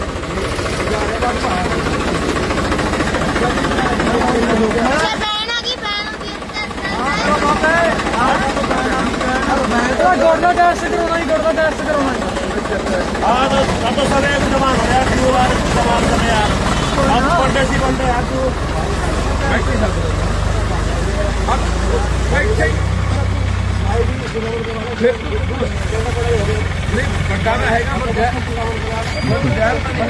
[SPEAKER 6] बहना की बहन की
[SPEAKER 5] ਗੋਡਾ ਟੈਸਟ ਕਰਾਉਣਾ ਹੀ ਗੋਡਾ ਟੈਸਟ ਕਰਾਉਣਾ।
[SPEAKER 3] हाँ तो अब तो सब एक जमान हो यार क्यों यार सवाल कर यार अब बंदे सी बंदे यार तू
[SPEAKER 2] ਮੈਂ ਇੱਥੇ ਸੱਦਾ। अब मैं ਇੱਥੇ ਨਹੀਂ ਵੱਡਾ ਨਾ ਹੈਗਾ ਵੱਡਾ ਵੱਡਾ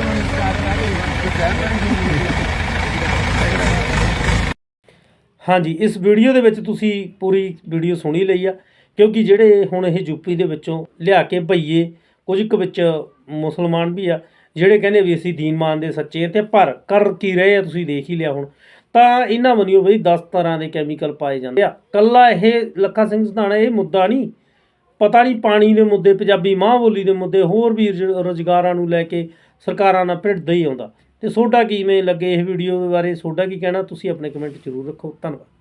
[SPEAKER 1] ਹਾਂਜੀ ਇਸ ਵੀਡੀਓ ਦੇ ਵਿੱਚ ਤੁਸੀਂ ਪੂਰੀ ਵੀਡੀਓ ਸੁਣੀ ਲਈ ਆ, ਕਿਉਂਕਿ ਜਿਹੜੇ ਹੁਣ ਇਹ ਯੂਪੀ ਦੇ ਵਿੱਚੋਂ ਲਿਆ ਕੇ ਭਈਏ ਕੁਝ ਕੁ ਵਿੱਚ ਮੁਸਲਮਾਨ ਵੀ ਆ ਜਿਹੜੇ ਕਹਿੰਦੇ ਵੀ ਅਸੀਂ ਦੀਨ ਮੰਨਦੇ ਸੱਚੇ ਆ, ਤੇ ਪਰ ਕਰ ਕੀ ਰਹੇ ਆ ਤੁਸੀਂ ਦੇਖ ਹੀ ਲਿਆ ਹੁਣ। ਤਾਂ ਇਹਨਾਂ ਮੰਨਿਓ ਬਈ ਦਸ ਤਰ੍ਹਾਂ ਦੇ ਕੈਮੀਕਲ ਪਾਏ ਜਾਂਦੇ ਆ। ਕੱਲਾ ਇਹ ਲੱਖਾ ਸਿੰਘ ਸਿਧਾਣਾ ਇਹ ਮੁੱਦਾ ਨਹੀਂ, ਪਤਾ ਨਹੀਂ ਪਾਣੀ ਦੇ ਮੁੱਦੇ, ਪੰਜਾਬੀ ਮਾਂ ਬੋਲੀ ਦੇ ਮੁੱਦੇ, ਹੋਰ ਵੀ ਰੁਜ਼- ਰੁਜ਼ਗਾਰਾਂ ਨੂੰ ਲੈ ਕੇ ਸਰਕਾਰਾਂ ਨਾਲ ਭਿੜਦਾ ਹੀ ਆਉਂਦਾ। ਤੇ ਤੁਹਾਡਾ ਕਿਵੇਂ ਲੱਗੇ ਇਹ ਵੀਡੀਓ ਦੇ ਬਾਰੇ, ਤੁਹਾਡਾ ਕੀ ਕਹਿਣਾ ਤੁਸੀਂ ਆਪਣੇ ਕਮੈਂਟ ਜ਼ਰੂਰ ਰੱਖੋ। ਧੰਨਵਾਦ।